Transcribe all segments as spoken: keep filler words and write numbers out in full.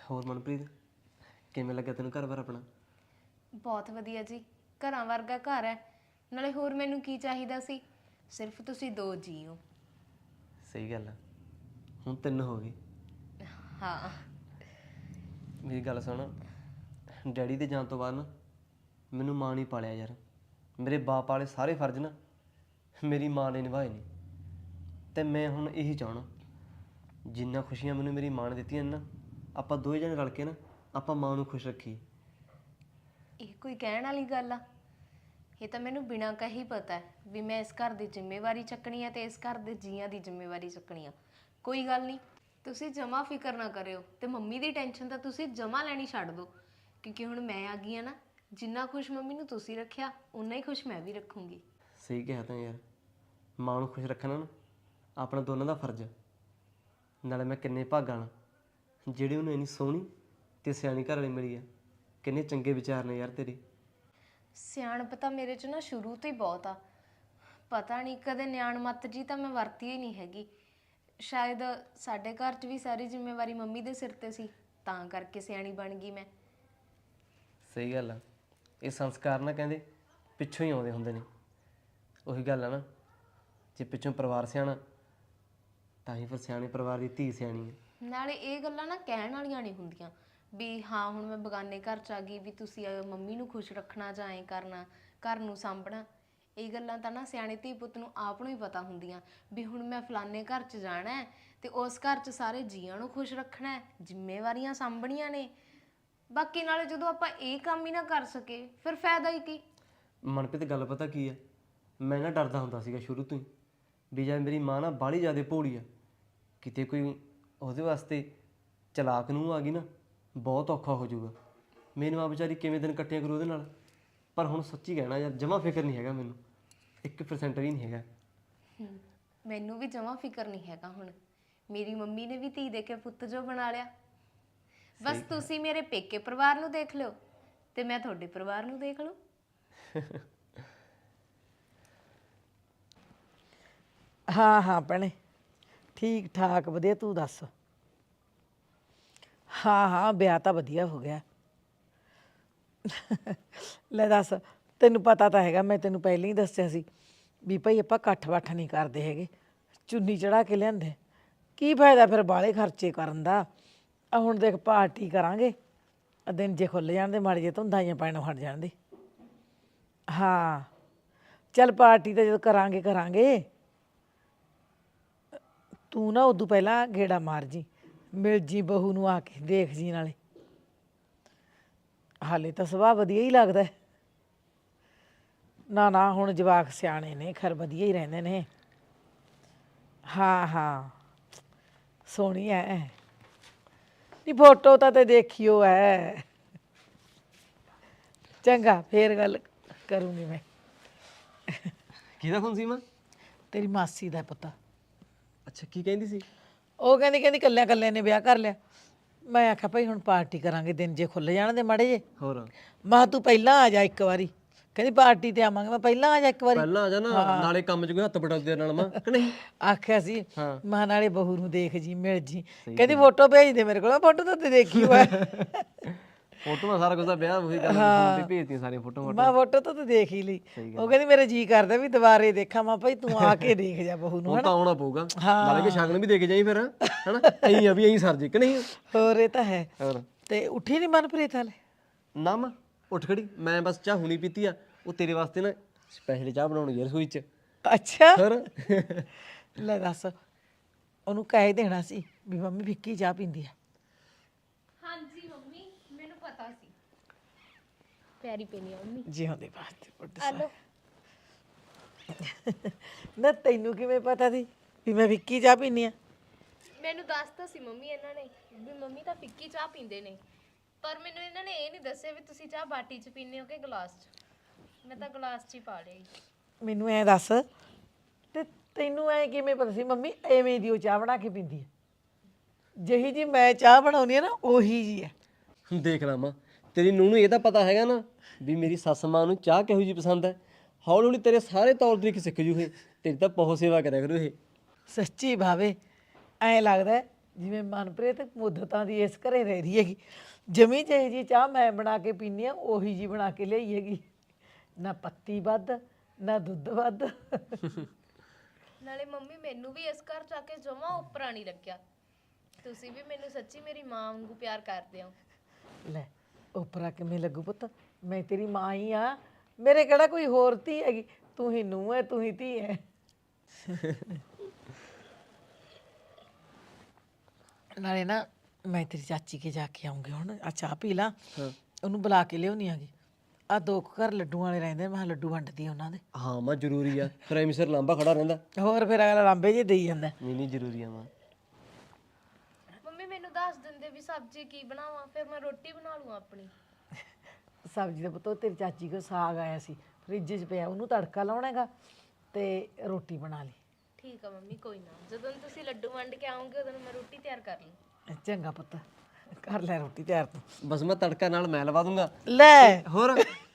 ਹੋਰ ਮਨਪ੍ਰੀਤ ਕਿਵੇਂ ਲੱਗਿਆ ਤੈਨੂੰ ਘਰ ਬਾਰ ਆਪਣਾ? ਬਹੁਤ ਵਧੀਆ ਜੀ, ਘਰਾਂ ਵਰਗਾ ਘਰ ਹੈ। ਨਾਲੇ ਹੋਰ ਮੈਨੂੰ ਕੀ ਚਾਹੀਦਾ ਸੀ, ਸਿਰਫ ਤੁਸੀਂ ਦੋ ਜੀ ਹੋ। ਸਹੀ ਗੱਲ ਆ, ਹੁਣ ਤਿੰਨ ਹੋ ਗਏ। ਹਾਂ ਮੇਰੀ ਗੱਲ ਸੁਣ, ਡੈਡੀ ਦੇ ਜਾਣ ਤੋਂ ਬਾਅਦ ਨਾ ਮੈਨੂੰ ਮਾਂ ਨਹੀਂ ਪਾਲਿਆ ਯਾਰ। ਮੇਰੇ ਬਾਪ ਵਾਲੇ ਸਾਰੇ ਫਰਜ਼ ਨਾ ਮੇਰੀ ਮਾਂ ਨੇ ਨਿਭਾਏ ਨੇ, ਅਤੇ ਮੈਂ ਹੁਣ ਇਹੀ ਚਾਹਣਾ ਜਿੰਨਾ ਖੁਸ਼ੀਆਂ ਮੈਨੂੰ ਮੇਰੀ ਮਾਂ ਨੇ ਦਿੱਤੀਆਂ ਨੇ ਨਾ, ਆਪਾਂ ਦੋਵੇਂ ਜਣੇ ਰਲ ਕੇ ਨਾ ਆਪਾਂ ਮਾਂ ਨੂੰ ਖੁਸ਼ ਰੱਖੀਏ। ਇਹ ਕੋਈ ਕਹਿਣ ਵਾਲੀ ਗੱਲ ਆ? ਇਹ ਤਾਂ ਮੈਨੂੰ ਬਿਨਾਂ ਕਹੀ ਪਤਾ ਹੈ ਵੀ ਮੈਂ ਇਸ ਘਰ ਦੀ ਜ਼ਿੰਮੇਵਾਰੀ ਚੱਕਣੀ ਹੈ ਤੇ ਇਸ ਘਰ ਦੇ ਜੀਆਂ ਦੀ ਜ਼ਿੰਮੇਵਾਰੀ ਚੱਕਣੀ ਆ। ਕੋਈ ਗੱਲ ਨਹੀਂ, ਤੁਸੀਂ ਜਮਾ ਫਿਕਰ ਨਾ ਕਰਿਓ ਤੇ ਮੰਮੀ ਦੀ ਟੈਨਸ਼ਨ ਤਾਂ ਤੁਸੀਂ ਜਮਾ ਲੈਣੀ ਛੱਡ ਦਿਓ, ਕਿਉਂਕਿ ਹੁਣ ਮੈਂ ਆ ਗਈ ਆ ਨਾ। ਜਿੰਨਾ ਖੁਸ਼ ਮੰਮੀ ਨੂੰ ਤੁਸੀਂ ਰੱਖਿਆ ਉਨਾ ਹੀ ਖੁਸ਼ ਮੈਂ ਵੀ ਰੱਖੂੰਗੀ। ਸਹੀ ਕਿਹਾ ਤਾਂ ਯਾਰ, ਮਾਂ ਨੂੰ ਖੁਸ਼ ਰੱਖਣਾ ਨਾ ਆਪਣਾ ਦੋਨਾਂ ਦਾ ਫਰਜ਼ ਆ। ਨਾਲੇ ਮੈਂ ਕਿੰਨੇ ਭਾਗਾਂ ਨਾਲ ਜਿਹੜੀ ਉਹਨੂੰ ਇੰਨੀ ਸੋਹਣੀ ਅਤੇ ਸਿਆਣੀ ਘਰ ਵਾਲੀ ਮਿਲੀ ਆ। ਕਿੰਨੇ ਚੰਗੇ ਵਿਚਾਰ ਨੇ ਯਾਰ ਤੇਰੇ। ਸਿਆਣਪ ਤਾਂ ਮੇਰੇ 'ਚ ਨਾ ਸ਼ੁਰੂ ਤੋਂ ਹੀ ਬਹੁਤ ਆ। ਪਤਾ ਨਹੀਂ ਕਦੇ ਨਿਆਣ ਮੱਤ ਜੀ ਤਾਂ ਮੈਂ ਵਰਤੀ ਹੀ ਨਹੀਂ ਹੈਗੀ। ਸ਼ਾਇਦ ਸਾਡੇ ਘਰ 'ਚ ਵੀ ਸਾਰੀ ਜ਼ਿੰਮੇਵਾਰੀ ਮੰਮੀ ਦੇ ਸਿਰ 'ਤੇ ਸੀ, ਤਾਂ ਕਰਕੇ ਸਿਆਣੀ ਬਣ ਗਈ ਮੈਂ। ਸਹੀ ਗੱਲ ਆ, ਇਹ ਸੰਸਕਾਰ ਨਾ ਕਹਿੰਦੇ ਪਿੱਛੋਂ ਹੀ ਆਉਂਦੇ ਹੁੰਦੇ ਨੇ। ਉਹੀ ਗੱਲ ਆ ਨਾ, ਜੇ ਪਿੱਛੋਂ ਪਰਿਵਾਰ ਸਿਆਣਾ ਤਾਂ ਹੀ ਫਿਰ ਸਿਆਣੇ ਪਰਿਵਾਰ ਦੀ ਧੀ ਸਿਆਣੀ ਹੈ। ਨਾਲੇ ਇਹ ਗੱਲਾਂ ਨਾ ਕਹਿਣ ਵਾਲੀਆਂ ਨਹੀਂ ਹੁੰਦੀਆਂ ਵੀ ਹਾਂ ਹੁਣ ਮੈਂ ਬਗਾਨੇ ਘਰ 'ਚ ਆ ਗਈ ਵੀ ਤੁਸੀਂ ਮੰਮੀ ਨੂੰ ਖੁਸ਼ ਰੱਖਣਾ ਜਾਂ ਐਂ ਕਰਨਾ, ਘਰ ਨੂੰ ਸਾਂਭਣਾ। ਇਹ ਗੱਲਾਂ ਤਾਂ ਨਾ ਸਿਆਣੇ ਧੀ ਪੁੱਤ ਨੂੰ ਆਪ ਨੂੰ ਹੀ ਪਤਾ ਹੁੰਦੀਆਂ ਵੀ ਹੁਣ ਮੈਂ ਫਲਾਨੇ ਘਰ 'ਚ ਜਾਣਾ ਹੈ ਤੇ ਉਸ ਘਰ 'ਚ ਸਾਰੇ ਜੀਆਂ ਨੂੰ ਖੁਸ਼ ਰੱਖਣਾ ਹੈ, ਜ਼ਿੰਮੇਵਾਰੀਆਂ ਸਾਂਭਣੀਆਂ ਨੇ। ਬਾਕੀ ਨਾਲੇ ਜਦੋਂ ਆਪਾਂ ਇਹ ਕੰਮ ਹੀ ਨਾ ਕਰ ਸਕੇ ਫਿਰ ਫਾਇਦਾ ਹੀ ਕੀ। ਮਨਪ੍ਰੀਤ ਗੱਲ ਪਤਾ ਕੀ ਆ, ਮੈਂ ਨਾ ਡਰਦਾ ਹੁੰਦਾ ਸੀਗਾ ਸ਼ੁਰੂ ਤੋਂ ਹੀ ਵੀ ਜਦ ਮੇਰੀ ਮਾਂ ਨਾ ਬਾਹਲੀ ਜ਼ਿਆਦਾ ਭੋਲੀ ਆ, ਕਿਤੇ ਕੋਈ ਉਹਦੇ ਵਾਸਤੇ ਚਲਾਕ ਨੂੰ ਆ ਗਈ ਨਾ ਬਹੁਤ ਔਖਾ ਹੋ ਜਾਊਗਾ। ਮੈਨੂੰ ਆ ਵਿਚਾਰੀ ਕਿਵੇਂ ਦਿਨ ਕੱਟਿਆ ਕਰੂ ਉਹਦੇ ਨਾਲ। ਪਰ ਹੁਣ ਸੱਚੀ ਕਹਿਣਾ ਯਾਰ, ਜਮਾ ਫਿਕਰ ਨਹੀਂ ਹੈਗਾ ਮੈਨੂੰ, ਇੱਕ ਪਰਸੈਂਟ ਵੀ ਨਹੀਂ ਹੈਗਾ। ਮੈਨੂੰ ਵੀ ਜਮਾ ਫਿਕਰ ਨਹੀਂ ਹੈਗਾ ਹੁਣ। ਮੇਰੀ ਮੰਮੀ ਨੇ ਵੀ ਧੀ ਦੇ ਕੇ ਪੁੱਤ ਜੋ ਬਣਾ ਲਿਆ। ਬਸ ਤੁਸੀਂ ਮੇਰੇ ਪੇਕੇ ਪਰਿਵਾਰ ਨੂੰ ਦੇਖ ਲਿਓ ਤੇ ਮੈਂ ਤੁਹਾਡੇ ਪਰਿਵਾਰ ਨੂੰ ਦੇਖ ਲਓ। ਹਾਂ ਹਾਂ ਭੈਣੇ, ਠੀਕ ਠਾਕ ਵਧੀਆ। ਤੂੰ ਦੱਸ? ਹਾਂ ਹਾਂ, ਵਿਆਹ ਤਾਂ ਵਧੀਆ ਹੋ ਗਿਆ। ਲੈ ਦੱਸ, ਤੈਨੂੰ ਪਤਾ ਤਾਂ ਹੈਗਾ, ਮੈਂ ਤੈਨੂੰ ਪਹਿਲਾਂ ਹੀ ਦੱਸਿਆ ਸੀ ਵੀ ਭਾਈ ਆਪਾਂ ਇਕੱਠ ਵੱਠ ਨਹੀਂ ਕਰਦੇ ਹੈਗੇ, ਚੁੰਨੀ ਚੜਾ ਕੇ ਲਿਆਂਦੇ। ਕੀ ਫਾਇਦਾ ਫਿਰ ਬਾਹਲੇ ਖਰਚੇ ਕਰਨ ਦਾ। ਆ ਹੁਣ ਦੇਖ ਪਾਰਟੀ ਕਰਾਂਗੇ, ਦਿਨ ਜੇ ਖੁੱਲ੍ਹ ਜਾਣ ਦੇ, ਮਾੜੇ ਜੇ ਧੁੰਦਾਂ ਜਿਹੀਆਂ ਪੈਣੋਂ ਹਟ ਜਾਣ ਦੇ। ਹਾਂ ਚੱਲ ਪਾਰਟੀ ਤਾਂ ਜਦੋਂ ਕਰਾਂਗੇ ਕਰਾਂਗੇ। ਤੂੰ ਨਾ ਉਦੋਂ ਪਹਿਲਾਂ ਗੇੜਾ ਮਾਰ ਜੀ, ਮਿਲ ਜੀ ਬਹੂ ਨੂੰ ਆ ਕੇ, ਦੇਖ ਜੀ ਨਾਲੇ। ਹਾਲੇ ਤਾਂ ਸੁਭਾਅ ਵਧੀਆ ਹੀ ਲੱਗਦਾ। ਨਾ ਨਾ ਹੁਣ ਜਵਾਕ ਸਿਆਣੇ ਨੇ, ਖੈਰ ਵਧੀਆ ਹੀ ਰਹਿੰਦੇ ਨੇ। ਹਾਂ ਹਾਂ ਸੋਹਣੀ ਐ। ਨਹੀਂ ਫੋਟੋ ਤਾਂ ਤੇ ਦੇਖਿਓ ਐ। ਚੰਗਾ ਫੇਰ ਗੱਲ ਕਰੂੰਗੀ ਮੈਂ। ਕਿਹਦਾ ਫੋਨ ਸੀ ਮਾਂ? ਤੇਰੀ ਮਾਸੀ ਦਾ ਪੁੱਤ। ਅੱਛਾ, ਕੀ ਕਹਿੰਦੀ ਸੀ? ਉਹ ਕਹਿੰਦੀ ਕਹਿੰਦੀ ਕੱਲਿਆਂ ਕੱਲਿਆਂ ਨੇ ਵਿਆਹ ਕਰ ਲਿਆ। ਮੈਂ ਆਖਿਆ ਭਾਈ ਹੁਣ ਪਾਰਟੀ ਕਰਾਂਗੇ, ਦਿਨ ਜੇ ਖੁੱਲ੍ਹ ਜਾਣ ਦੇ ਮਾੜੇ ਜੇ। ਹੋਰ ਮੈਂ ਕਿਹਾ ਤੂੰ ਪਹਿਲਾਂ ਆ ਜਾ ਇੱਕ ਵਾਰੀ। ਕਹਿੰਦੀ ਪਾਰਟੀ ਤੇ ਆਵਾਂਗੇ। ਮੈਂ ਪਹਿਲਾਂ ਆ ਜਾ ਇੱਕ ਵਾਰੀ। ਪਹਿਲਾਂ ਆ ਜਾ ਨਾ, ਨਾਲੇ ਕੰਮ 'ਚ ਕੋਈ ਹੱਥ ਬਟਾਉਂਦੇ ਨਾਲ ਮਾਂ ਕਿ ਨਹੀਂ। ਆਖਿਆ ਸੀ ਹਾਂ। ਮੈਂ ਨਾਲੇ ਬਹੂ ਨੂੰ ਦੇਖ ਜੀ, ਮਿਲ ਜੀ। ਕਹਿੰਦੀ ਫੋਟੋ ਭੇਜ ਦੇ ਮੇਰੇ ਕੋਲ। ਫੋਟੋ ਤਾਂ ਤੇ ਦੇਖੀ ਹੋਇਆ। ਫੋਟੋਆਂ ਸਾਰਾ ਕੁਝ ਦਾ ਵਿਆਹ ਉਹੀ ਗੱਲ ਫੋਨ ਤੇ ਭੇਜਦੀਆਂ ਸਾਰੀਆਂ ਫੋਟੋਆਂ। ਮੈਂ ਫੋਟੋ ਤਾਂ ਤੇ ਦੇਖ ਹੀ ਲਈ। ਉਹ ਕਹਿੰਦੀ ਮੇਰੇ ਜੀ ਕਰਦਾ ਵੀ ਦੁਬਾਰੇ ਦੇਖਾਂ। ਮੈਂ ਭਾਈ ਤੂੰ ਆ ਕੇ ਦੇਖ ਜਾ ਬਹੂ ਨੂੰ। ਹੁਣ ਤਾਂ ਆਉਣਾ ਪਊਗਾ, ਨਾਲੇ ਕਿ ਸ਼ਗਨ ਵੀ ਦੇ ਕੇ ਜਾਈ ਫਿਰ, ਹਨਾ। ਐਂ ਆ ਵੀ ਐਂ ਸਰ ਜੇ ਕਿ ਨਹੀਂ। ਹੋਰ ਇਹ ਤਾਂ ਹੈ। ਹੋਰ ਤੇ ਉੱਠੀ ਨਹੀਂ ਮਨਪ੍ਰੀਤ ਹਾਲੇ? ਨਾ ਮਾਂ ਉੱਠ ਖੜੀ, ਮੈਂ ਬਸ ਚਾਹ ਹੁਣੀ ਪੀਤੀ ਆ। ਉਹ ਤੇਰੇ ਵਾਸਤੇ ਨਾ ਸਪੈਸ਼ਲ ਚਾਹ ਬਣਾਉਣੀ ਯਾਰ ਰਸੋਈ 'ਚ। ਅੱਛਾ ਹੋਰ ਲੈ ਦੱਸ, ਉਹਨੂੰ ਕਹਿ ਦੇਣਾ ਸੀ ਵੀ ਮੰਮੀ ਫਿੱਕੀ ਚਾਹ ਪੀਂਦੀ ਆ। ਹਾਂਜੀ ਮੰਮੀ, ਮੈਨੂੰ ਪਤਾ ਸੀ। ਪਿਆਰੀ ਪੀਣੀ ਆ ਮੰਮੀ। ਜੀ ਹੁੰਦੇ ਬਾਤ। ਹਲੋ ਨਾ ਤੈਨੂੰ ਕਿਵੇਂ ਪਤਾ ਸੀ ਵੀ ਮੈਂ ਫਿੱਕੀ ਚਾਹ ਪੀਂਦੀ ਆ? ਮੈਨੂੰ ਦੱਸਤਾ ਸੀ ਮੰਮੀ ਇਹਨਾਂ ਨੇ ਵੀ ਮੰਮੀ ਤਾਂ ਫਿੱਕੀ ਚਾਹ ਪੀਂਦੇ ਨੇ, ਪਰ ਮੈਨੂੰ ਇਹਨਾਂ ਨੇ ਇਹ ਨਹੀਂ ਦੱਸਿਆ ਵੀ ਤੁਸੀਂ ਚਾਹ ਬਾਟੀ 'ਚ ਪੀਂਦੇ ਹੋ ਕਿ ਗਲਾਸ 'ਚ। ਮੈਂ ਤਾਂ ਗਲਾਸ 'ਚ ਹੀ ਪਾ ਲਈ। ਮੈਨੂੰ ਐਂ ਦੱਸ, ਤੇ ਤੈਨੂੰ ਐਂ ਕਿਵੇਂ ਪਤਾ ਸੀ ਮੰਮੀ ਐਵੇਂ ਦੀ ਉਹ ਚਾਹ ਬਣਾ ਕੇ ਪੀਂਦੀ ਹੈ? ਜਿਹੀ ਜੀ ਮੈਂ ਚਾਹ ਬਣਾਉਂਦੀ ਆ ਨਾ ਉਹੀ ਜੀ ਹੈ। ਦੇਖ ਲਾ ਮਾਂ, ਤੇਰੀ ਨੂੰਹ ਨੂੰ ਇਹ ਤਾਂ ਪਤਾ ਹੈਗਾ ਨਾ ਵੀ ਮੇਰੀ ਸੱਸ ਮਾਂ ਨੂੰ ਚਾਹ ਕਿਹੋ ਜਿਹੀ ਪਸੰਦ ਹੈ। ਹੌਲੀ ਹੌਲੀ ਤੇਰੇ ਸਾਰੇ ਤੌਰ ਤਰੀਕੇ ਸਿੱਖ ਜੂ ਇਹ। ਤੇਰੀ ਤਾਂ ਬਹੁਤ ਸੇਵਾ ਕਰਿਆ ਕਰੂ ਇਹ। ਸੱਚੀ ਭਾਵੇ ਐਂ ਲੱਗਦਾ ਜਿਵੇਂ ਮਨਪ੍ਰੀਤ ਮੁੱਦਤਾਂ ਦੀ ਇਸ ਘਰੇ ਰਹਿ ਰਹੀ ਹੈਗੀ। ਜਮੀ ਜਿਹੀ ਜੀ ਚਾਹ ਮੈਂ ਬਣਾ ਕੇ ਪੀਨੀ ਆ ਉਹੀ ਜੀ ਬਣਾ ਕੇ ਲਿਆਈ ਹੈਗੀ। ਨਾ ਪੱਤੀ ਵੱਧ ਨਾ ਦੁੱਧ ਵੱਧ। ਨਾਲੇ ਮੰਮੀ ਮੈਨੂੰ ਵੀ ਇਸ ਘਰ ਚ ਆ ਕੇ ਜਮਾ ਉੱਪਰਾਂ ਨਹੀਂ ਲੱਗਿਆ। ਤੁਸੀਂ ਵੀ ਮੈਨੂੰ ਸੱਚੀ ਮੇਰੀ ਮਾਂ ਵਾਂਗੂ ਪਿਆਰ ਕਰਦੇ ਹੋ। ਲੈ ਉਪਰਾ ਕਿਵੇਂ ਲੱਗੂ ਪੁੱਤ, ਮੈਂ ਤੇਰੀ ਮਾਂ ਹੀ ਆ, ਮੇਰੇ ਕਿਹੜਾ ਕੋਈ ਹੋਰ ਧੀ ਹੈਗੀ, ਤੂੰ ਹੀ ਨੂੰਹ ਹੈ ਤੂੰ ਹੀ ਧੀ ਹੈ। ਨਾਲੇ ਨਾ ਮੈਂ ਤੇਰੀ ਚਾਚੀ ਕੇ ਜਾ ਕੇ ਆਉਂਗੀ ਹੁਣ, ਆ ਚਾਹ ਪੀ ਲਾ, ਉਹਨੂੰ ਬੁਲਾ ਕੇ ਲਿਆਉਣੀ ਆਗੀ। ਆ ਦੋ ਕੁ ਘਰ ਲੱਡੂ ਵਾਲੇ ਰਹਿੰਦੇ, ਮੈਂ ਕਿਹਾ ਲੱਡੂ ਵੰਡਦੀ ਆ ਉਹਨਾਂ ਦੇ। ਹਾਂ ਮਾਂ ਜ਼ਰੂਰੀ ਆ, ਫਿਰ ਐਵੇਂ ਸਿਰ ਲਾਂਬਾ ਖੜਾ ਰਹਿੰਦਾ। ਹੋਰ ਫਿਰ ਅਗਲਾ ਲਾਂਬੇ ਜੇ ਦੇਈ ਜਾਂਦਾ। ਨਹੀਂ ਨਹੀਂ ਜ਼ਰੂਰੀ ਆ ਮਾਂ। ਮੰਮੀ ਮੈਨੂੰ ਦੱਸ ਦਿੰਦੇ ਵੀ ਸਬਜ਼ੀ ਕੀ ਬਣਾਵਾਂ, ਫਿਰ ਮੈਂ ਰੋਟੀ ਬਣਾ ਲੂੰ ਆਪਣੀ। ਸਬਜ਼ੀ ਦਾ ਪੁੱਤ ਤੇਰੀ ਚਾਚੀ ਕੋ ਸਾਗ ਆਇਆ ਸੀ ਫ੍ਰਿਜ 'ਚ ਪਿਆ, ਉਹਨੂੰ ਤੜਕਾ ਲਾਉਣਾ ਹੈਗਾ ਤੇ ਰੋਟੀ ਬਣਾ ਲਈ। ਠੀਕ ਆ ਮੰਮੀ, ਕੋਈ ਨਾ, ਜਦੋਂ ਤੁਸੀਂ ਲੱਡੂ ਵੰਡ ਕੇ ਆਉਂਗੇ ਉਦੋਂ ਮੈਂ ਰੋਟੀ ਤਿਆਰ ਕਰ ਲੂੰ। ਚੰਗਾ ਪੁੱਤ, ਕਰ ਲੈ ਰੋਟੀ ਤਿਆਰ ਤੂੰ। ਬਸ ਮੈਂ ਤੜਕਾ ਨਾਲ ਮੈਂ ਲਵਾ ਦੂੰਗਾ। ਲੈ ਹੋਰ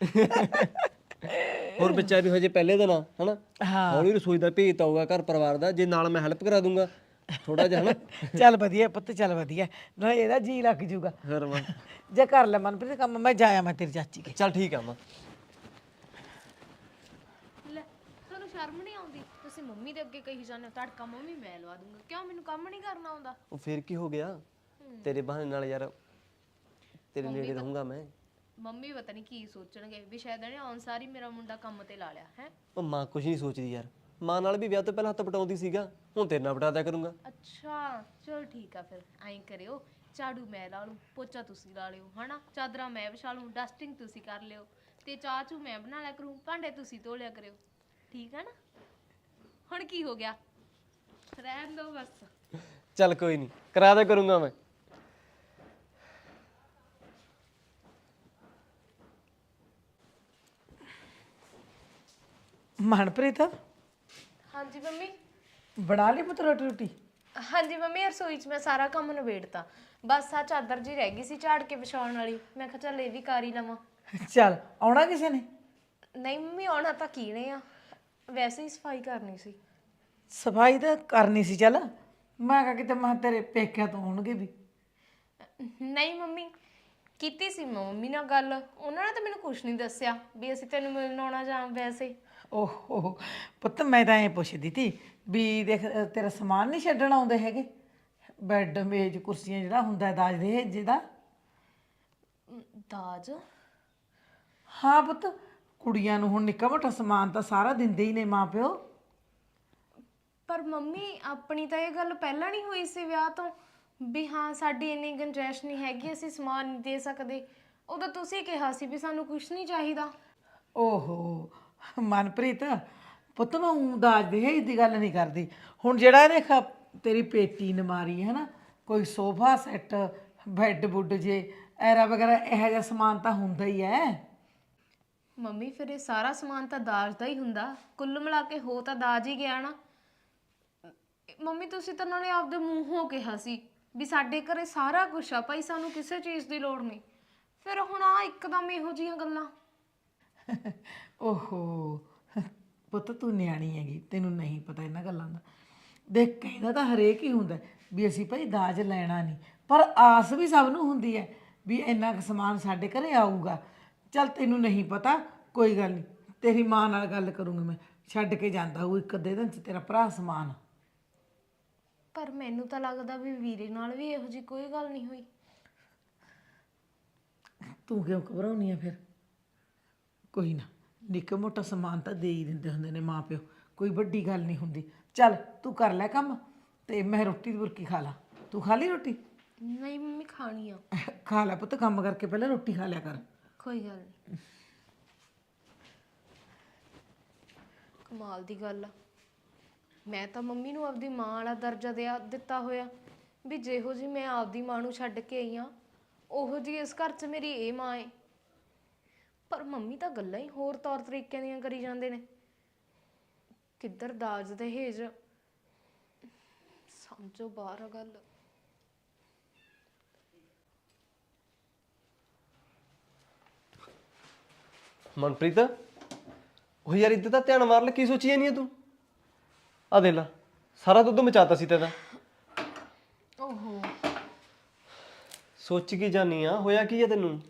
ਹੋਰ ਬੱਚਾ ਵੀ ਹਜੇ ਪਹਿਲੇ ਦਿਨ ਆ ਹਨਾ, ਹਾਂ ਹੌਲੀ ਰਸੋਈ ਦਾ ਭੇਤ ਆਊਗਾ ਘਰ ਪਰਿਵਾਰ ਦਾ, ਜੇ ਨਾਲ ਮੈਂ ਹੈਲਪ ਕਰਾ ਦੂੰਗਾ ਥੋੜਾ ਜਿਹਾ ਹਨਾ। ਚੱਲ ਵਧੀਆ ਪੁੱਤ, ਚੱਲ ਵਧੀਆ, ਨਾ ਇਹਦਾ ਜੀ ਲੱਗ ਜੂਗਾ। ਫਿਰ ਮਾਂ ਜੇ ਕਰ ਲੈ ਮਨਪ੍ਰੀਤ ਕੰਮ, ਮੈਂ ਜਾਇਆ ਮੈਂ ਤੇਰੀ ਚਾਚੀ ਕੇ। ਚੱਲ ਠੀਕ ਆ ਮਾਂ। ਲੈ ਤੁਹਾਨੂੰ ਸ਼ਰਮ ਨਹੀਂ ਆਉਂਦੀ? ਤੁਸੀਂ ਮੰਮੀ ਦੇ ਅੱਗੇ ਕਹੀ ਜਾਂਦੇ ਹੋ ਤੜਕਾ ਮੰਮੀ ਮੈਂ ਲਵਾ ਦੂੰਗਾ। ਕਿਉਂ, ਮੈਨੂੰ ਕੰਮ ਨਹੀਂ ਕਰਨਾ ਆਉਂਦਾ? ਉਹ ਫਿਰ ਕੀ ਹੋ ਗਿਆ, ਤੇਰੇ ਬਹਾਨੇ ਨਾਲ ਯਾਰ ਤੇਰੇ ਨੇੜੇ ਰਹੂੰਗਾ ਮੈਂ। ਮੰਮੀ ਪਤਾ ਨਹੀਂ ਕੀ ਸੋਚਣਗੇ ਵੀ ਸ਼ਾਇਦ ਇਹਨੇ ਆਉਣ ਸਾਰੀ ਮੇਰਾ ਮੁੰਡਾ ਕੰਮ ਤੇ ਲਾ ਲਿਆ ਹੈ। ਉਹ ਮਾਂ ਕੁਝ ਨਹੀਂ ਸੋਚਦੀ ਯਾਰ, ਮਾਂ ਨਾਲ ਵੀ ਵਿਆਹ ਤੋਂ ਪਹਿਲਾਂ ਹੱਥ ਪਟਾਉਂਦੀ ਸੀਗਾ, ਹੁਣ ਤੇਰੇ ਨਾਲ ਪਟਾ ਦਿਆ ਕਰੂੰਗਾ। ਅੱਛਾ ਚਲ ਠੀਕ ਆ, ਫਿਰ ਐਂ ਕਰਿਓ, ਝਾੜੂ ਮੈਂ ਲਾ ਲੂੰ, ਪੋਚਾ ਤੁਸੀਂ ਲਾ ਲਿਓ ਹਨਾ, ਚਾਦਰਾਂ ਮੈਂ ਵਿਛਾ ਲੂੰ, ਡਸਟਿੰਗ ਤੁਸੀਂ ਕਰ ਲਿਓ, ਤੇ ਚਾਹ ਚੂ ਮੈਂ ਬਣਾ ਲਿਆ ਕਰੂੰ, ਭਾਂਡੇ ਤੁਸੀਂ ਧੋ ਲਿਆ ਕਰਿਓ। ਠੀਕ ਆ ਨਾ? ਹੁਣ ਕੀ ਹੋ ਗਿਆ, ਰਹਿਣ ਦੋ ਬਸ। ਚੱਲ ਕੋਈ ਨਹੀਂ, ਕਰਾ ਦਿਆ ਕਰੂੰਗਾ ਮੈਂ। ਮਨਪ੍ਰੀਤ ਹਾਂਜੀ ਮੰਮੀ। ਬਣਾ ਲਈ ਪੁੱਤ ਰੋਟੀ ਰੋਟੀ? ਹਾਂਜੀ ਮੰਮੀ, ਰਸੋਈ 'ਚ ਮੈਂ ਸਾਰਾ ਕੰਮ ਨਿਬੇੜਤਾ, ਬਸ ਆ ਚਾਦਰ ਜੀ ਰਹਿ ਗਈ ਸੀ ਝਾੜ ਕੇ ਵਿਛਾਉਣ ਵਾਲੀ, ਮੈਂ ਕਿਹਾ ਚੱਲ ਇਹ ਵੀ ਕਰ ਹੀ ਲਵਾਂ। ਚੱਲ ਆਉਣਾ ਕਿਸੇ ਨੇ? ਨਹੀਂ ਮੰਮੀ, ਆਉਣਾ ਤਾਂ ਕੀਨੇ ਆ, ਵੈਸੇ ਹੀ ਸਫਾਈ ਕਰਨੀ ਸੀ। ਸਫਾਈ ਤਾਂ ਕਰਨੀ ਸੀ, ਚੱਲ ਮੈਂ ਕਿਹਾ ਕਿਤੇ ਮੈਂ ਤੇਰੇ ਪੇਕਿਆਂ ਤੋਂ ਆਉਣਗੇ ਵੀ। ਨਹੀਂ ਮੰਮੀ, ਕੀਤੀ ਸੀ ਮੈਂ ਮੰਮੀ ਨਾਲ ਗੱਲ, ਉਹਨਾਂ ਨੇ ਤਾਂ ਮੈਨੂੰ ਕੁਝ ਨਹੀਂ ਦੱਸਿਆ ਵੀ ਅਸੀਂ ਤੈਨੂੰ ਮਿਲਣ ਆਉਣਾ ਜਾਂ ਵੈਸੇ। ਓਹੋ ਪੁੱਤ, ਮੈਂ ਤਾਂ ਐਂ ਪੁੱਛਦੀ ਤੀ ਵੀ ਦੇਖ ਤੇਰਾ ਸਮਾਨ ਨਹੀਂ ਛੱਡਣ ਆਉਂਦੇ ਹੈਗੇ, ਬੈੱਡ ਮੇਜ਼ ਕੁਰਸੀਆਂ ਜਿਹੜਾ ਹੁੰਦਾ ਦਾਜ ਦੇ ਜਿਹਦਾ। ਦਾਜ? ਹਾਂ ਪੁੱਤ, ਕੁੜੀਆਂ ਨੂੰ ਹੁਣ ਨਿੱਕਾ ਮੋਟਾ ਸਮਾਨ ਤਾਂ ਸਾਰਾ ਦਿੰਦੇ ਹੀ ਨੇ ਮਾਂ ਪਿਓ। ਪਰ ਮੰਮੀ ਆਪਣੀ ਤਾਂ ਇਹ ਗੱਲ ਪਹਿਲਾਂ ਨਹੀਂ ਹੋਈ ਸੀ ਵਿਆਹ ਤੋਂ ਵੀ ਹਾਂ ਸਾਡੀ ਇੰਨੀ ਗੁੰਜਾਇਸ਼ ਨਹੀਂ ਹੈਗੀ, ਅਸੀਂ ਸਮਾਨ ਨਹੀਂ ਦੇ ਸਕਦੇ। ਉਦੋਂ ਤੁਸੀਂ ਕਿਹਾ ਸੀ ਵੀ ਸਾਨੂੰ ਕੁਝ ਨਹੀਂ ਚਾਹੀਦਾ। ਓਹੋ ਮਨਪ੍ਰੀਤ ਪੁੱਤ, ਮੈਂ ਊਂ ਦਾਜ ਦਹੇਜ ਦੀ ਗੱਲ ਨਹੀਂ ਕਰਦੀ। ਹੁਣ ਜਿਹੜਾ ਦੇਖ ਤੇਰੀ ਪੇਟੀ ਨਮਾਰੀ ਹੈ ਨਾ, ਕੋਈ ਸੋਫਾ ਸੈੱਟ, ਬੈੱਡ ਬੁੱਡ ਜੇ ਐਰਾ ਵਗੈਰਾ ਇਹੋ ਜਿਹਾ ਸਮਾਨ ਤਾਂ ਹੁੰਦਾ ਹੀ ਹੈ। ਮੰਮੀ ਫਿਰ ਇਹ ਸਾਰਾ ਸਮਾਨ ਤਾਂ ਦਾਜ ਦਾ ਹੀ ਹੁੰਦਾ, ਕੁੱਲ ਮਿਲਾ ਕੇ ਹੋ ਤਾਂ ਦਾਜ ਹੀ ਗਿਆ ਨਾ। ਮੰਮੀ ਤੁਸੀਂ ਤਾਂ ਨਾਲੇ ਆਪਦੇ ਮੂੰਹੋਂ ਕਿਹਾ ਸੀ ਵੀ ਸਾਡੇ ਘਰੇ ਸਾਰਾ ਕੁਝ ਆ ਭਾਈ, ਸਾਨੂੰ ਕਿਸੇ ਚੀਜ਼ ਦੀ ਲੋੜ ਨਹੀਂ, ਫਿਰ ਹੁਣ ਆ ਇੱਕਦਮ ਇਹੋ ਜਿਹੀਆਂ ਗੱਲਾਂ। ਓਹੋ ਪੁੱਤ, ਤੂੰ ਨਿਆਣੀ ਹੈਗੀ, ਤੈਨੂੰ ਨਹੀਂ ਪਤਾ ਇਹਨਾਂ ਗੱਲਾਂ ਦਾ। ਦੇਖ ਕਹਿੰਦਾ ਤਾਂ ਹਰੇਕ ਹੀ ਹੁੰਦਾ ਵੀ ਅਸੀਂ ਭਾਈ ਦਾਜ ਲੈਣਾ ਨਹੀਂ, ਪਰ ਆਸ ਵੀ ਸਭ ਨੂੰ ਹੁੰਦੀ ਹੈ ਵੀ ਇੰਨਾ ਕੁ ਸਮਾਨ ਸਾਡੇ ਘਰੇ ਆਊਗਾ। ਚੱਲ ਤੈਨੂੰ ਨਹੀਂ ਪਤਾ, ਕੋਈ ਗੱਲ ਨਹੀਂ, ਤੇਰੀ ਮਾਂ ਨਾਲ ਗੱਲ ਕਰੂੰਗੀ ਮੈਂ, ਛੱਡ ਕੇ ਜਾਂਦਾ ਉਹ ਇੱਕ ਅੱਧੇ ਦਿਨ 'ਚ ਤੇਰਾ ਭਰਾ ਸਮਾਨ। ਪਰ ਮੈਨੂੰ ਤਾਂ ਲੱਗਦਾ ਵੀ ਵੀਰੇ ਨਾਲ ਵੀ ਇਹੋ ਜਿਹੀ ਕੋਈ ਗੱਲ ਨਹੀਂ ਹੋਈ। ਤੂੰ ਕਿਉਂ ਘਬਰਾਉਣੀ ਆ ਫਿਰ? ਕੋਈ ਨਾ, ਨਿੱਕਾ ਮੋਟਾ ਸਮਾਨ ਤਾਂ ਦੇ ਹੀ ਦਿੰਦੇ ਹੁੰਦੇ ਨੇ ਮਾਂ ਪਿਓ, ਕੋਈ ਵੱਡੀ ਗੱਲ ਨਹੀਂ ਹੁੰਦੀ। ਚੱਲ ਤੂੰ ਕਰ ਲੈ ਕੰਮ ਤੇ ਮੈਂ ਰੋਟੀ ਦੀ ਬੁਰਕੀ ਖਾ ਲਾ। ਤੂੰ ਖਾ ਲਈ ਰੋਟੀ? ਨਹੀਂ ਮੰਮੀ, ਖਾਣੀ ਆ। ਖਾ ਲੈ ਪੁੱਤ, ਕੰਮ ਕਰਕੇ ਪਹਿਲਾਂ ਰੋਟੀ ਖਾ ਲਿਆ ਕਰ। ਕੋਈ ਗੱਲ ਨਹੀਂ। ਕਮਾਲ ਦੀ ਗੱਲ ਆ, ਮੈਂ ਤਾਂ ਮੰਮੀ ਨੂੰ ਆਪਦੀ ਮਾਂ ਵਾਲਾ ਦਰਜਾ ਦਿਆ ਦਿੱਤਾ ਹੋਇਆ ਵੀ ਜਿਹੋ ਜੀ ਮੈਂ ਆਪਦੀ ਮਾਂ ਨੂੰ ਛੱਡ ਕੇ ਆਈ ਆ, ਉਹੋ ਜੀ ਇਸ ਘਰ 'ਚ ਮੇਰੀ ਇਹ ਮਾਂ ਏ। ਪਰ ਮੰਮੀ ਤਾਂ ਗੱਲਾਂ ਹੀ ਹੋਰ ਤੌਰ ਤਰੀਕਿਆਂ ਦੀਆਂ ਕਰੀ ਜਾਂਦੇ ਨੇ, ਕਿੱਧਰ ਦਾਜ ਦਹੇਜ, ਸਮਝੋ ਬਾਹਰ ਆ ਗੱਲ। ਮਨਪ੍ਰੀਤ, ਉਹ ਯਾਰ ਇੱਧਰ ਤਾਂ ਧਿਆਨ ਮਾਰ ਲੈ, ਕੀ ਸੋਚੀ ਜਾਂਦੀ ਆ ਤੂੰ? ਆ ਦੇ ਲਾ, ਸਾਰਾ ਦੁੱਧ ਮਚਾਤਾ ਸੀ ਤੇਰਾ। ਓਹੋ ਸੋਚ ਕੀ ਜਾਨੀ ਆ, ਹੋਇਆ ਕੀ ਆ ਤੈਨੂੰ?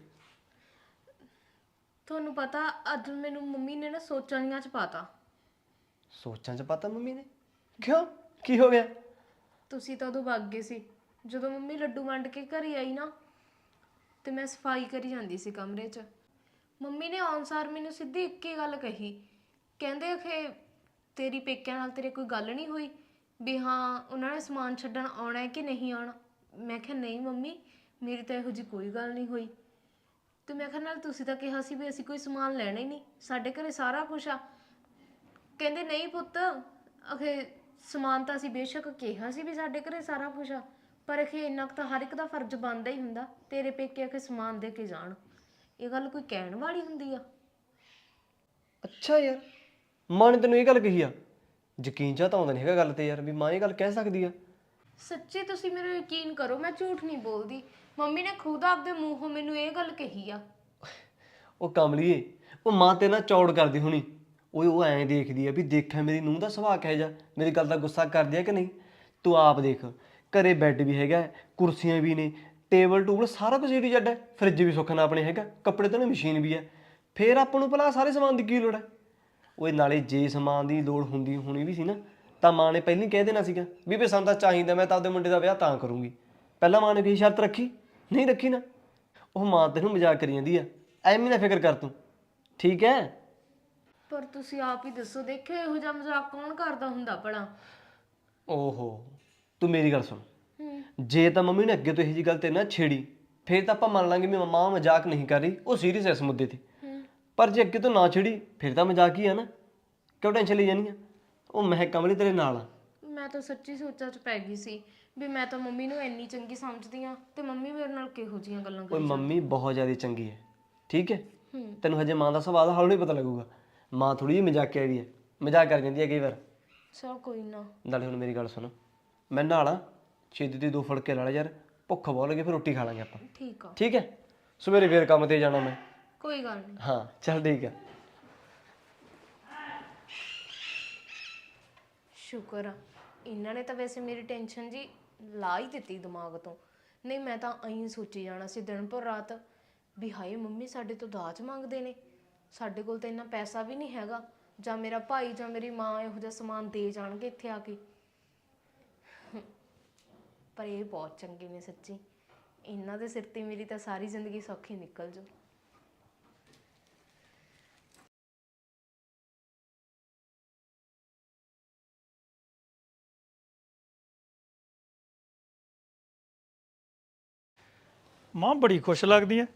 ਤੁਹਾਨੂੰ ਪਤਾ ਅੱਜ ਮੈਨੂੰ ਮੰਮੀ ਨੇ ਨਾ ਸੋਚਾਂ ਦੀਆਂ ਚ ਪਾਤਾ। ਸੋਚਾਂ 'ਚ ਪਤਾ ਮੰਮੀ ਨੇ? ਕਿਉਂ, ਕੀ ਹੋ ਗਿਆ? ਤੁਸੀਂ ਤਾਂ ਉਦੋਂ ਵਗ ਗਏ ਸੀ ਜਦੋਂ ਮੰਮੀ ਲੱਡੂ ਵੰਡ ਕੇ ਘਰੇ ਆਈ ਨਾ, ਤੇ ਮੈਂ ਸਫਾਈ ਕਰੀ ਜਾਂਦੀ ਸੀ ਕਮਰੇ 'ਚ। ਮੰਮੀ ਨੇ ਆਨਸਾਰ ਮੈਨੂੰ ਸਿੱਧੀ ਇੱਕ ਹੀ ਗੱਲ ਕਹੀ, ਕਹਿੰਦੇ ਕਿ ਤੇਰੀ ਪੇਕਿਆਂ ਨਾਲ ਤੇਰੇ ਕੋਈ ਗੱਲ ਨਹੀਂ ਹੋਈ ਵੀ ਹਾਂ ਉਹਨਾਂ ਨੇ ਸਮਾਨ ਛੱਡਣ ਆਉਣਾ ਹੈ ਕਿ ਨਹੀਂ ਆਉਣਾ। ਮੈਂ ਕਿਹਾ ਨਹੀਂ ਮੰਮੀ, ਮੇਰੀ ਤਾਂ ਇਹੋ ਜਿਹੀ ਕੋਈ ਗੱਲ ਨਹੀਂ ਹੋਈ। ਤੇ ਮੈਂ ਕਿਹਾ ਨਾਲ ਤੁਸੀਂ ਤਾਂ ਕਿਹਾ ਸੀ ਵੀ ਅਸੀਂ ਕੋਈ ਸਮਾਨ ਲੈਣਾ ਹੀ ਨਹੀਂ, ਸਾਡੇ ਘਰੇ ਸਾਰਾ ਕੁਝ ਆ। ਕਹਿੰਦੇ ਨਹੀਂ ਪੁੱਤ, ਅਖੇ ਸਮਾਨ ਤਾਂ ਅਸੀਂ ਬੇਸ਼ੱਕ ਕਿਹਾ ਸੀ ਵੀ ਸਾਡੇ ਘਰੇ ਸਾਰਾ ਕੁਝ ਆ, ਪਰ ਅਖੇ ਇੰਨਾ ਕੁ ਤਾਂ ਹਰ ਇੱਕ ਦਾ ਫਰਜ਼ ਬਣਦਾ ਹੀ ਹੁੰਦਾ, ਤੇਰੇ ਪੇਕੇ ਅਖੇ ਸਮਾਨ ਦੇ ਕੇ ਜਾਣ। ਇਹ ਗੱਲ ਕੋਈ ਕਹਿਣ ਵਾਲੀ ਹੁੰਦੀ ਆ? ਅੱਛਾ ਯਾਰ, ਮਾਂ ਨੇ ਤੈਨੂੰ ਇਹ ਗੱਲ ਕਹੀ ਆ? ਯਕੀਨ ਜਾਂ ਤਾਂ ਆਉਂਦਾ ਨਹੀਂ ਹੈਗਾ ਗੱਲ ਤੇ ਯਾਰ, ਵੀ ਮਾਂ ਇਹ ਗੱਲ ਕਹਿ ਸਕਦੀ ਆ। ਸੱਚੀ ਤੁਸੀਂ ਮੇਰਾ ਯਕੀਨ ਕਰੋ, ਮੈਂ ਝੂਠ ਨਹੀਂ ਬੋਲਦੀ। ਮੰਮੀ ਨੇ ਖੁਦ ਆਪਦੇ ਮੂੰਹੋਂ ਮੈਨੂੰ ਇਹ ਗੱਲ ਕਹੀ ਆ। ਉਹ ਕਮਲੀਏ, ਉਹ ਮਾਂ ਤੇ ਨਾ ਚੌੜ ਕਰਦੀ ਹੋਣੀ। ਉਹ ਉਹ ਐਂ ਦੇਖਦੀ ਆ ਵੀ ਦੇਖਿਆ ਮੇਰੀ ਨੂੰਹ ਦਾ ਸੁਭਾਅ ਕਿਹੋ ਜਿਹਾ, ਮੇਰੀ ਗੱਲ ਦਾ ਗੁੱਸਾ ਕਰਦੀ ਆ ਕਿ ਨਹੀਂ। ਤੂੰ ਆਪ ਦੇਖ, ਘਰੇ ਬੈੱਡ ਵੀ ਹੈਗਾ, ਕੁਰਸੀਆਂ ਵੀ ਨੇ, ਟੇਬਲ ਟੂਬਲ ਸਾਰਾ ਕੁਝ ਏ ਟੂ ਜ਼ੈਡ ਹੈ, ਫਰਿੱਜ ਵੀ ਸੁੱਖ ਨਾਲ ਆਪਣੇ ਹੈਗਾ, ਕੱਪੜੇ ਧੋਣ ਮਸ਼ੀਨ ਵੀ ਹੈ। ਫੇਰ ਆਪਾਂ ਨੂੰ ਭਲਾ ਸਾਰੇ ਸਮਾਨ ਦੀ ਕੀ ਲੋੜ ਹੈ? ਉਹ ਨਾਲੇ ਜੇ ਸਮਾਨ ਦੀ ਲੋੜ ਹੁੰਦੀ ਹੋਣੀ ਵੀ ਸੀ ਨਾ, ਤਾਂ ਮਾਂ ਨੇ ਪਹਿਲਾਂ ਹੀ ਕਹਿ ਦੇਣਾ ਸੀਗਾ ਵੀ ਵੀ ਸਾਨੂੰ ਤਾਂ ਚਾਹੀਦਾ, ਮੈਂ ਤਾਂ ਆਪਦੇ ਮੁੰਡੇ ਦਾ ਵਿਆਹ ਤਾਂ ਕਰੂੰਗੀ। ਪਹਿਲਾਂ ਮਾਂ ਨੇ ਕੋਈ ਸ਼ਰਤ ਰੱਖੀ? ਨਹੀਂ ਰੱਖੀ ਨਾ। ਉਹ ਮਾਂ ਤੈਨੂੰ ਮਜ਼ਾਕ ਕਰੀ ਜਾਂਦੀ ਆ, ਐਵੇਂ ਨਾ ਫਿਕਰ ਕਰ ਤੂੰ, ਠੀਕ ਹੈ? ਪਰ ਤੁਸੀਂ ਆਪ ਹੀ ਦੱਸੋ, ਦੇਖਿਓ ਇਹੋ ਜਿਹਾ ਮਜ਼ਾਕ ਕੌਣ ਕਰਦਾ ਹੁੰਦਾ ਭਲਾ? ਓਹੋ, ਤੂੰ ਮੇਰੀ ਗੱਲ ਸੁਣ। ਹੂੰ। ਜੇ ਤਾਂ ਮੰਮੀ ਨੇ ਅੱਗੇ ਤੋਂ ਇਹੋ ਜਿਹੀ ਗੱਲ ਤੇ ਨਾ ਛੇੜੀ, ਫੇਰ ਤਾਂ ਆਪਾਂ ਮੰਨ ਲਾਂਗੇ ਵੀ ਮਾਂ ਮਜ਼ਾਕ ਨਹੀਂ ਕਰ ਰਹੀ, ਉਹ ਸੀਰੀਅਸ ਹੈ ਇਸ ਮੁੱਦੇ ਤੇ। ਪਰ ਜੇ ਅੱਗੇ ਤੋਂ ਨਾ ਛੇੜੀ, ਫਿਰ ਤਾਂ ਮਜ਼ਾਕ ਹੀ ਆ ਨਾ, ਕਿਉਂ ਟੈਨਸ਼ਨ ਲਈ ਜਾਨੀ ਆ? ਉਹ ਮੈਂ ਕਮਲੀ ਤੇਰੇ ਨਾਲ ਆ। ਮੈਂ ਤਾਂ ਸੱਚੀ ਸੋਚਾਂ 'ਚ ਪੈ ਗਈ ਸੀ ਵੀ ਮੈਂ ਤਾਂ ਮੰਮੀ ਨੂੰ ਇੰਨੀ ਚੰਗੀ ਸਮਝਦੀ ਆ, ਤੇ ਮੰਮੀ ਮੇਰੇ ਨਾਲ ਕਿਹੋ ਜਿਹੀਆਂ ਗੱਲਾਂ ਓਏ ਕਰੀ। ਮੰਮੀ ਬਹੁਤ ਜ਼ਿਆਦਾ ਚੰਗੀ ਹੈ, ਠੀਕ ਹੈ? ਹੂੰ। ਤੈਨੂੰ ਹਜੇ ਮਾਂ ਦਾ ਸੁਭਾਅ ਦਾ ਹੌਲੀ ਪਤਾ ਲੱਗੂਗਾ। ਮਾਂ ਥੋੜੀ ਜਿਹੀ ਮਜ਼ਾਕਿਆ ਵੀ ਹੈ, ਮਜ਼ਾਕ ਕਰ ਜਾਂਦੀ ਹੈ ਕਈ ਵਾਰ। ਚਲ ਕੋਈ ਨਾ। ਨਾਲੇ ਹੁਣ ਮੇਰੀ ਗੱਲ ਸੁਣ, ਮੈਂ ਨਾਲਾਂ ਛੇਤੀ ਦੀ ਦੋ ਫੁਲਕੇ ਲਾ ਲੈ ਯਾਰ, ਭੁੱਖ ਬਹੁਤ ਲੱਗੀ, ਫਿਰ ਰੋਟੀ ਖਾ ਲਾਂਗੇ ਆਪਾਂ, ਠੀਕ ਆ। ਠੀਕ ਹੈ? ਸਵੇਰੇ ਫੇਰ ਕੰਮ ਤੇ ਜਾਣਾ ਮੈਂ। ਕੋਈ ਗੱਲ ਨਹੀਂ। ਹਾਂ ਚੱਲ ਠੀਕ ਹੈ। ਸ਼ੁਕਰ ਆ, ਇਹਨਾਂ ਨੇ ਤਾਂ ਵੈਸੇ ਮੇਰੀ ਟੈਨਸ਼ਨ ਜੀ ਲਾ ਹੀ ਦਿੱਤੀ ਦਿਮਾਗ ਤੋਂ। ਨਹੀਂ ਮੈਂ ਤਾਂ ਐਂ ਸੋਚੀ ਜਾਣਾ ਸੀ ਦਿਨ ਭਰ ਰਾਤ ਵੀ ਹਾਏ ਮੰਮੀ ਸਾਡੇ ਤੋਂ ਦਾਜ ਮੰਗਦੇ ਨੇ, ਸਾਡੇ ਕੋਲ ਤਾਂ ਇੰਨਾ ਪੈਸਾ ਵੀ ਨਹੀਂ ਹੈਗਾ, ਜਾਂ ਮੇਰਾ ਭਾਈ ਜਾਂ ਮੇਰੀ ਮਾਂ ਇਹੋ ਜਿਹਾ ਸਮਾਨ ਦੇ ਜਾਣਗੇ ਇੱਥੇ ਆ ਕੇ। ਪਰ ਇਹ ਬਹੁਤ ਚੰਗੇ ਨੇ ਸੱਚੀ, ਇਹਨਾਂ ਦੇ ਸਿਰ ਤੇ ਮੇਰੀ ਤਾਂ ਸਾਰੀ ਜ਼ਿੰਦਗੀ ਸੌਖੀ ਨਿਕਲ ਜੂ। ਮਾਂ ਬੜੀ ਖੁਸ਼ ਲੱਗਦੀ ਐ,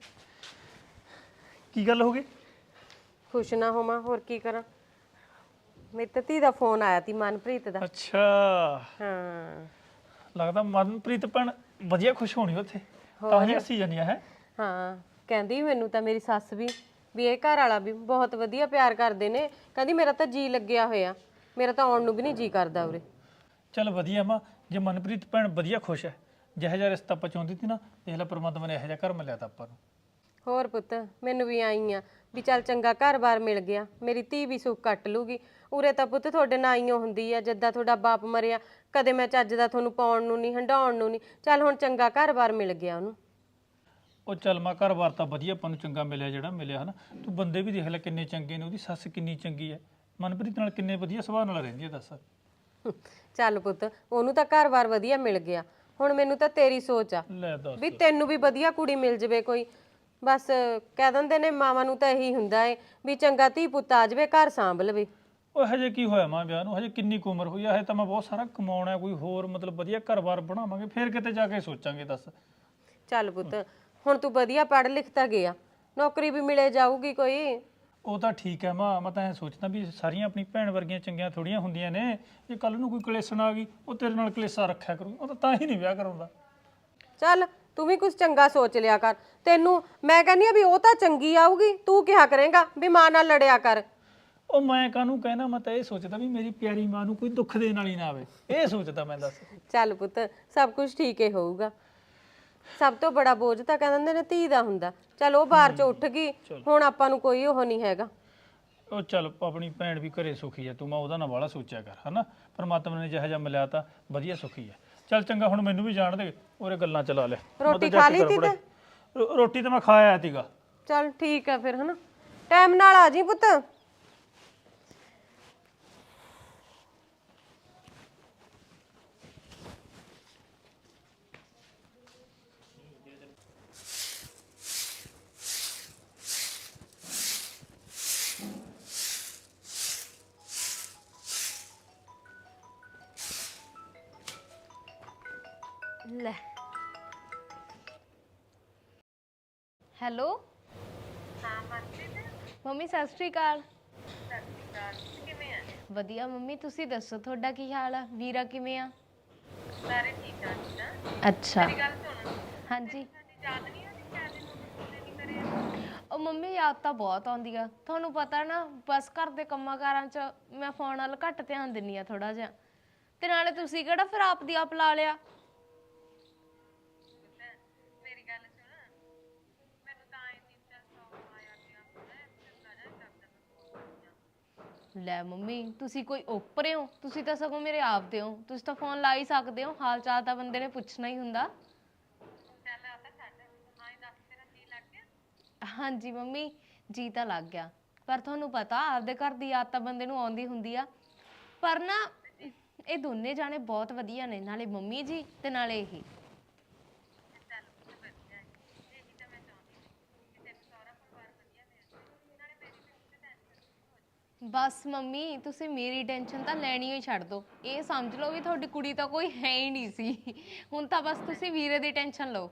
ਕੀ ਗੱਲ ਹੋ ਗਈ? ਖੁਸ਼ ਨਾ ਹੋਵਾਂ ਹੋਰ ਕੀ ਕਰਾਂ, ਮੇਰੀ ਤਾਂ ਧੀ ਦਾ ਫੋਨ ਆਇਆ ਤੀ ਮਨਪ੍ਰੀਤ ਦਾ। ਅੱਛਾ, ਹਾਂ ਲੱਗਦਾ ਮਨਪ੍ਰੀਤ ਭੈਣ ਵਧੀਆ ਖੁਸ਼ ਹੋਣੀ ਉੱਥੇ, ਤਾਂ ਹੀ ਹੱਸੀ ਜਾਂਦੀ ਹੈ। ਹਾਂ ਕਹਿੰਦੀ ਮੈਨੂੰ ਤਾਂ ਮੇਰੀ ਸੱਸ ਵੀ ਵੀ ਇਹ ਘਰ ਵਾਲਾ ਵੀ ਬਹੁਤ ਵਧੀਆ ਪਿਆਰ ਕਰਦੇ ਨੇ, ਕਹਿੰਦੀ ਮੇਰਾ ਤਾਂ ਜੀ ਲੱਗਿਆ ਹੋਇਆ, ਮੇਰਾ ਤਾਂ ਆਉਣ ਨੂੰ ਵੀ ਨਹੀਂ ਜੀ ਕਰਦਾ ਉਰੇ। ਚੱਲ ਵਧੀਆ ਮਾਂ, ਜੇ ਮਨਪ੍ਰੀਤ ਭੈਣ ਵਧੀਆ ਖੁਸ਼ ਹੈ, ਜਿਹੋ ਜਿਹਾ ਰਿਸ਼ਤਾ ਆਪਾਂ ਚਾਹੁੰਦੀ ਸੀ ਨਾ, ਦੇਖ ਲੈ ਪਰਮਾਤਮਾ ਨੇ ਇਹੋ ਜਿਹਾ ਘਰ ਮਿਲਿਆ ਤਾਂ ਆਪਾਂ ਨੂੰ। ਹੋਰ ਪੁੱਤ ਮੈਨੂੰ ਵੀ ਆਈ ਆ ਵੀ ਚੱਲ ਚੰਗਾ ਘਰ-ਬਾਰ ਮਿਲ ਗਿਆ, ਮੇਰੀ ਧੀ ਵੀ ਸੁੱਖ ਕੱਟ ਲੂਗੀ। ਉਰੇ ਤਾਂ ਪੁੱਤ ਤੁਹਾਡੇ ਨਾਲ ਆਈਓ ਹੁੰਦੀ ਆ, ਜਿੱਦਾਂ ਤੁਹਾਡਾ ਬਾਪ ਮਰਿਆ ਕਦੇ ਮੈਂ ਚੱਜ ਦਾ ਤੁਹਾਨੂੰ ਪਾਉਣ ਨੂੰ ਨਹੀਂ, ਹੰਡਾਉਣ ਨੂੰ ਨਹੀਂ, ਚੱਲ ਹੁਣ ਚੰਗਾ ਘਰ-ਬਾਰ ਮਿਲ ਗਿਆ ਉਹਨੂੰ। ਉਹ ਚੱਲ ਮਾਂ ਘਰ-ਬਾਰ ਤਾਂ ਵਧੀਆ ਆਪਾਂ ਨੂੰ ਚੰਗਾ ਮਿਲਿਆ ਜਿਹੜਾ ਮਿਲਿਆ ਹਨਾ। ਤੂੰ ਬੰਦੇ ਵੀ ਦੇਖ ਲੈ ਕਿੰਨੇ ਚੰਗੇ ਨੇ, ਉਹਦੀ ਸੱਸ ਕਿੰਨੀ ਚੰਗੀ ਹੈ, ਮਨਪ੍ਰੀਤ ਨਾਲ ਕਿੰਨੇ ਵਧੀਆ ਸੁਭਾਅ ਨਾਲ ਰਹਿੰਦੀ ਹੈ, ਦੱਸ। ਚੱਲ ਪੁੱਤ ਉਹਨੂੰ ਤਾਂ ਘਰ-ਬਾਰ ਵਧੀਆ ਮਿਲ ਗਿਆ, ਹੁਣ ਮੈਨੂੰ ਤਾਂ ਤੇਰੀ ਸੋਚ ਆ ਲੈ ਦੱਸ। ਵੀ ਤੈਨੂੰ ਵੀ ਵਧੀਆ ਕੁੜੀ ਮਿਲ ਜਵੇ ਕੋਈ। ਬਸ ਕਹਿ ਦਿੰਦੇ ਨੇ ਮਾਵਾਂ ਨੂੰ ਤਾਂ ਇਹੀ ਹੁੰਦਾ ਏ ਵੀ ਚੰਗਾ ਧੀ ਪੁੱਤ ਆ ਜਵੇ, ਘਰ ਸਾਂਭ ਲਵੇ। ਉਹ ਹਜੇ ਕੀ ਹੋਇਆ ਮਾਂ ਵਿਆਹ ਨੂੰ, ਹਜੇ ਕਿੰਨੀ ਕੁ ਉਮਰ ਹੋਈ ਆ, ਹਜੇ ਤਾਂ ਮੈਂ ਬਹੁਤ ਸਾਰਾ ਕਮਾਉਣਾ, ਕੋਈ ਹੋਰ ਮਤਲਬ ਵਧੀਆ ਘਰ-ਬਾਰ ਬਣਾਵਾਂਗੇ, ਫਿਰ ਕਿਤੇ ਜਾ ਕੇ ਸੋਚਾਂਗੇ, ਦੱਸ। ਚੱਲ ਪੁੱਤ ਹੁਣ ਤੂੰ ਵਧੀਆ ਪੜ੍ਹ ਲਿਖ ਤਾਂ ਗਿਆ, ਨੌਕਰੀ ਵੀ ਮਿਲੇ ਜਾਊਗੀ ਕੋਈ। ਉਹ ਤਾਂ ਠੀਕ ਹੈ ਮਾਂ, ਮੈਂ ਤਾਂ ਐਂ ਸੋਚਦਾ ਵੀ ਸਾਰੀਆਂ ਆਪਣੀ ਭੈਣ ਵਰਗੀਆਂ ਚੰਗੀਆਂ ਥੋੜੀਆਂ ਹੁੰਦੀਆਂ ਨੇ, ਜੇ ਕੱਲ ਨੂੰ ਕੋਈ ਕਲੇਸ਼ਣ ਆ ਗਈ ਉਹ ਤੇਰੇ ਨਾਲ ਕਲੇਸ਼ਾ ਰੱਖਿਆ ਕਰੂ, ਉਹ ਤਾਂ ਤਾਂ ਹੀ ਨਹੀਂ ਵਿਆਹ ਕਰਾਉਂਦਾ। ਚੱਲ ਤੂੰ ਵੀ ਕੁਝ ਚੰਗਾ ਸੋਚ ਲਿਆ ਕਰ, ਤੈਨੂੰ ਮੈਂ ਕਹਿੰਦੀ ਆ ਵੀ ਉਹ ਤਾਂ ਚੰਗੀ ਆਊਗੀ, ਤੂੰ ਕਿਹਾ ਕਰੇਂਗਾ ਵੀ ਮਾਂ ਨਾਲ ਲੜਿਆ ਕਰ। ਉਹ ਮੈਂ ਕਾਹਨੂੰ ਕਹਿਣਾ, ਮੈਂ ਤਾਂ ਇਹ ਸੋਚਦਾ ਵੀ ਮੇਰੀ ਪਿਆਰੀ ਮਾਂ ਨੂੰ ਕੋਈ ਦੁੱਖ ਦੇਣ ਵਾਲੀ ਨਾ ਆਵੇ, ਇਹ ਸੋਚਦਾ ਮੈਂ, ਦੱਸ। ਚੱਲ ਪੁੱਤ ਸਭ ਕੁਝ ਠੀਕ ਹੀ ਹੋਊਗਾ, ਸਭ ਤੋਂ ਬੜਾ ਬੋਝ ਤਾਂ ਕਹਿੰਦੇ ਨੇ ਧੀ ਦਾ ਹੁੰਦਾ। ਚੱਲ ਉਹ ਬਾਹਰ ਚ ਉੱਠ ਗਈ, ਹੁਣ ਆਪਾਂ ਨੂੰ ਕੋਈ ਉਹ ਨਹੀਂ ਹੈਗਾ। ਉਹ ਚੱਲ ਆਪਣੀ ਭੈਣ ਵੀ ਘਰੇ ਸੁਖੀ ਹੈ, ਤੂੰ ਮੈਂ ਉਹਦਾ ਨਾ ਵਾਲਾ ਸੋਚਿਆ ਕਰ, ਹਨਾ। ਪਰਮਾਤਮਾ ਨੇ ਜਿਹੋ ਜਿਹਾ ਮਿਲਿਆ ਤਾਂ ਵਧੀਆ ਸੁਖੀ ਹੈ। ਚੱਲ ਚੰਗਾ ਹੁਣ ਮੈਨੂੰ ਵੀ ਜਾਣ ਦੇ, ਉਹਰੇ ਗੱਲਾਂ ਚਲਾ ਲੈ। ਮੈਂ ਤਾਂ ਰੋਟੀ ਜਾ ਖਾ ਕੇ ਲਈ ਤੀ ਗੜਬੜ- ਤੇ ਰੋ- ਰੋਟੀ ਤਾਂ ਮੈਂ ਖਾ ਆਇਆ ਸੀਗਾ। ਚੱਲ ਠੀਕ ਆ ਫਿਰ ਹਨਾ, ਟਾਈਮ ਨਾਲ ਆ ਜੀ ਪੁੱਤ। ਲੈ ਹੈਲੋ ਹਾਂ ਮੰਮੀ ਸਤਿ ਸ਼੍ਰੀ ਅਕਾਲ। ਸਤਿ ਸ਼੍ਰੀ ਅਕਾਲ, ਕਿਵੇਂ ਆ? ਵਧੀਆ ਮੰਮੀ, ਤੁਸੀਂ ਦੱਸੋ ਤੁਹਾਡਾ ਕੀ ਹਾਲ ਆ? ਵੀਰਾ ਕਿਵੇਂ ਆ? ਸਾਰੇ ਠੀਕ ਆ ਜੀ। ਅੱਛਾ ਮੇਰੀ ਗੱਲ ਸੁਣ। ਹਾਂਜੀ ਯਾਦ ਨਹੀਂ ਆਉਂਦੀ ਕਿਆ ਦਿਨ ਨਹੀਂ ਕਰੇ? ਉਹ ਮੰਮੀ ਯਾਦ ਤਾਂ ਬਹੁਤ ਆਉਂਦੀ ਆ, ਤੁਹਾਨੂੰ ਪਤਾ ਨਾ ਬਸ ਘਰ ਦੇ ਕੰਮਾਂ ਕਾਰਾਂ 'ਚ ਮੈਂ ਫੋਨ ਵੱਲ ਘੱਟ ਧਿਆਨ ਦਿੰਨੀ ਆ ਥੋੜਾ ਜਿਹਾ, ਤੇ ਨਾਲੇ ਤੁਸੀਂ ਕਿਹੜਾ ਫਿਰ ਆਪ ਦੀ ਆਪ ਲਾ ਲਿਆ। ਲੈ ਮੰਮੀ ਤੁਸੀਂ ਕੋਈ ਓਪਰੇ ਹੋ? ਤੁਸੀਂ ਤਾਂ ਸਗੋਂ ਮੇਰੇ ਆਪ ਦੇ ਹੋ, ਤੁਸੀਂ ਤਾਂ ਫੋਨ ਲਾ ਹੀ ਸਕਦੇ ਹੋ, ਹਾਲ ਚਾਲ ਤਾਂ ਬੰਦੇ ਨੇ ਪੁੱਛਣਾ ਹੀ ਹੁੰਦਾ। ਹਾਂਜੀ ਮੰਮੀ ਜੀ ਤਾਂ ਲੱਗ ਗਿਆ, ਪਰ ਤੁਹਾਨੂੰ ਪਤਾ ਆਪਦੇ ਘਰ ਦੀ ਯਾਦ ਤਾਂ ਬੰਦੇ ਨੂੰ ਆਉਂਦੀ ਹੁੰਦੀ ਆ। ਪਰ ਨਾ ਇਹ ਦੋਨੇ ਜਾਣੇ ਬਹੁਤ ਵਧੀਆ ਨੇ, ਨਾਲੇ ਮੰਮੀ ਜੀ ਤੇ ਨਾਲੇ ਇਹ। ਬਸ ਮੰਮੀ ਤੁਸੀਂ ਮੇਰੀ ਟੈਨਸ਼ਨ ਤਾਂ ਲੈਣੀ ਹੀ ਛੱਡ ਦਿਓ, ਇਹ ਸਮਝ ਲਓ ਵੀ ਤੁਹਾਡੀ ਕੁੜੀ ਤਾਂ ਕੋਈ ਹੈ ਹੀ ਨਹੀਂ ਸੀ, ਹੁਣ ਤਾਂ ਬਸ ਤੁਸੀਂ ਵੀਰੇ ਦੀ ਟੈਨਸ਼ਨ ਲਓ।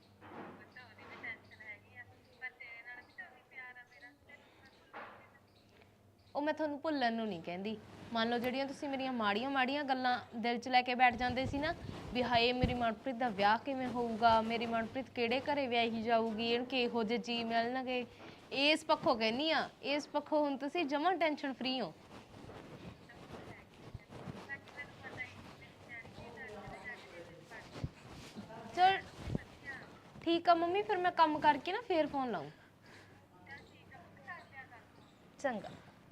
ਉਹ ਮੈਂ ਤੁਹਾਨੂੰ ਭੁੱਲਣ ਨੂੰ ਨਹੀਂ ਕਹਿੰਦੀ, ਮੰਨ ਲਓ ਜਿਹੜੀਆਂ ਤੁਸੀਂ ਮੇਰੀਆਂ ਮਾੜੀਆਂ ਮਾੜੀਆਂ ਗੱਲਾਂ ਦਿਲ 'ਚ ਲੈ ਕੇ ਬੈਠ ਜਾਂਦੇ ਸੀ ਨਾ, ਵੀ ਹਾਏ ਮੇਰੀ ਮਨਪ੍ਰੀਤ ਦਾ ਵਿਆਹ ਕਿਵੇਂ ਹੋਊਗਾ, ਮੇਰੀ ਮਨਪ੍ਰੀਤ ਕਿਹੜੇ ਘਰੇ ਵਿਆਹੀ ਜਾਊਗੀ, ਇਹਨੂੰ ਕਿਹੋ ਜਿਹੇ ਜੀ ਮਿਲਣਗੇ, ਇਸ ਪੱਖੋਂ ਕਹਿੰਦੀ ਆ, ਇਸ ਪੱਖੋਂ ਹੁਣ ਤੁਸੀਂ ਜਮਾਂ ਟੈਨਸ਼ਨ ਫਰੀ ਹੋ। ਚਲ ਠੀਕ ਆ ਮੰਮੀ, ਫਿਰ ਮੈਂ ਕੰਮ ਕਰਕੇ ਨਾ ਫੇਰ ਫੋਨ ਲਾਊਂ। ਚੰਗਾ।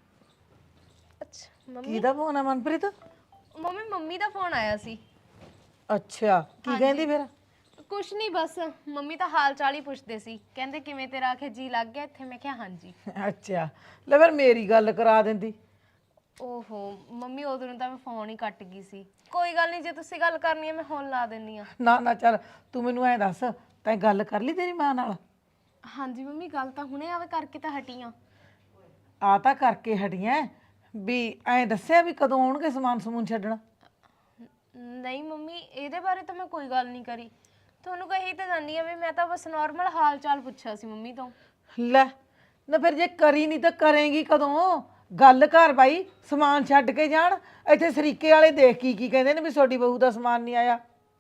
ਅੱਛਾ ਮੰਮੀ, ਕਿਹਦਾ ਫੋਨ ਆ ਮਨਪ੍ਰੀਤ? ਮੰਮੀ ਮੰਮੀ ਦਾ ਫੋਨ ਆਇਆ ਸੀ। ਅੱਛਾ ਕੀ ਕਹਿੰਦੀ ਫਿਰ? ਕੁਛ ਨਹੀਂ, ਬਸ ਮੰਮੀ ਤਾਂ ਹਾਲ ਚਾਲ ਹੀ ਪੁੱਛਦੇ ਸੀ, ਕਹਿੰਦੇ ਕਿਵੇਂ ਤੇਰਾ ਆਖੇ ਜੀ ਲੱਗ ਗਿਆ ਇੱਥੇ? ਮੈਂ ਕਿਹਾ ਹਾਂਜੀ। ਅੱਛਾ ਲੈ ਫਿਰ ਮੇਰੀ ਗੱਲ ਕਰਾ ਦਿੰਦੀ। ਓਹੋ ਮੰਮੀ ਉਦੋਂ ਨੂੰ ਤਾਂ ਮੈਂ ਫੋਨ ਹੀ ਕੱਟ ਗਈ ਸੀ। ਕੋਈ ਗੱਲ ਨਹੀਂ, ਜੇ ਤੁਸੀਂ ਗੱਲ ਕਰਨੀ ਹੈ ਮੈਂ ਹੁਣ ਲਾ ਦਿੰਨੀ ਆ। ਨਾ ਨਾ ਚੱਲ ਤੂੰ ਮੈਨੂੰ ਐਂ ਦੱਸ, ਤੈਂ ਗੱਲ ਕਰ ਲਈ ਤੇਰੀ ਮਾਂ ਨਾਲ? ਹਾਂਜੀ ਮੰਮੀ ਗੱਲ ਤਾਂ ਹੁਣੇ ਆਵੇ ਕਰਕੇ ਤਾਂ ਹਟੀ ਆ। ਆ ਤਾਂ ਕਰਕੇ ਹਟੀਆਂ, ਵੀ ਐਂ ਦੱਸਿਆ ਵੀ ਕਦੋਂ ਆਉਣਗੇ ਸਮਾਨ ਸਮੂਨ ਛੱਡਣ? ਨਹੀਂ ਮੰਮੀ ਇਹਦੇ ਬਾਰੇ ਤਾਂ ਮੈਂ ਕੋਈ ਗੱਲ ਨਹੀਂ ਕਰੀ, ਤੁਹਾਨੂੰ ਕਹੀ ਤਾਂ ਜਾਂਦੀ ਆ ਵੀ ਮੈਂ ਤਾਂ ਬਸ ਨਾਰਮਲ ਹਾਲ ਚਾਲ ਪੁੱਛਿਆ ਸੀ ਮੰਮੀ ਤੋਂ। ਲੈ ਨਾ ਫਿਰ ਜੇ ਕਰੀ ਨਹੀਂ ਤਾਂ ਕਰੇਂਗੀ ਕਦੋਂ? ਗੱਲ ਕਰ ਬਾਈ, ਸਮਾਨ ਛੱਡ ਕੇ ਜਾਣ। ਇੱਥੇ ਸਰੀਕੇ ਵਾਲੇ ਦੇਖ ਕੀ ਕੀ ਕਹਿੰਦੇ ਨੇ ਵੀ ਤੁਹਾਡੀ ਬਹੂ ਦਾ ਸਮਾਨ ਨਹੀਂ ਆਇਆ।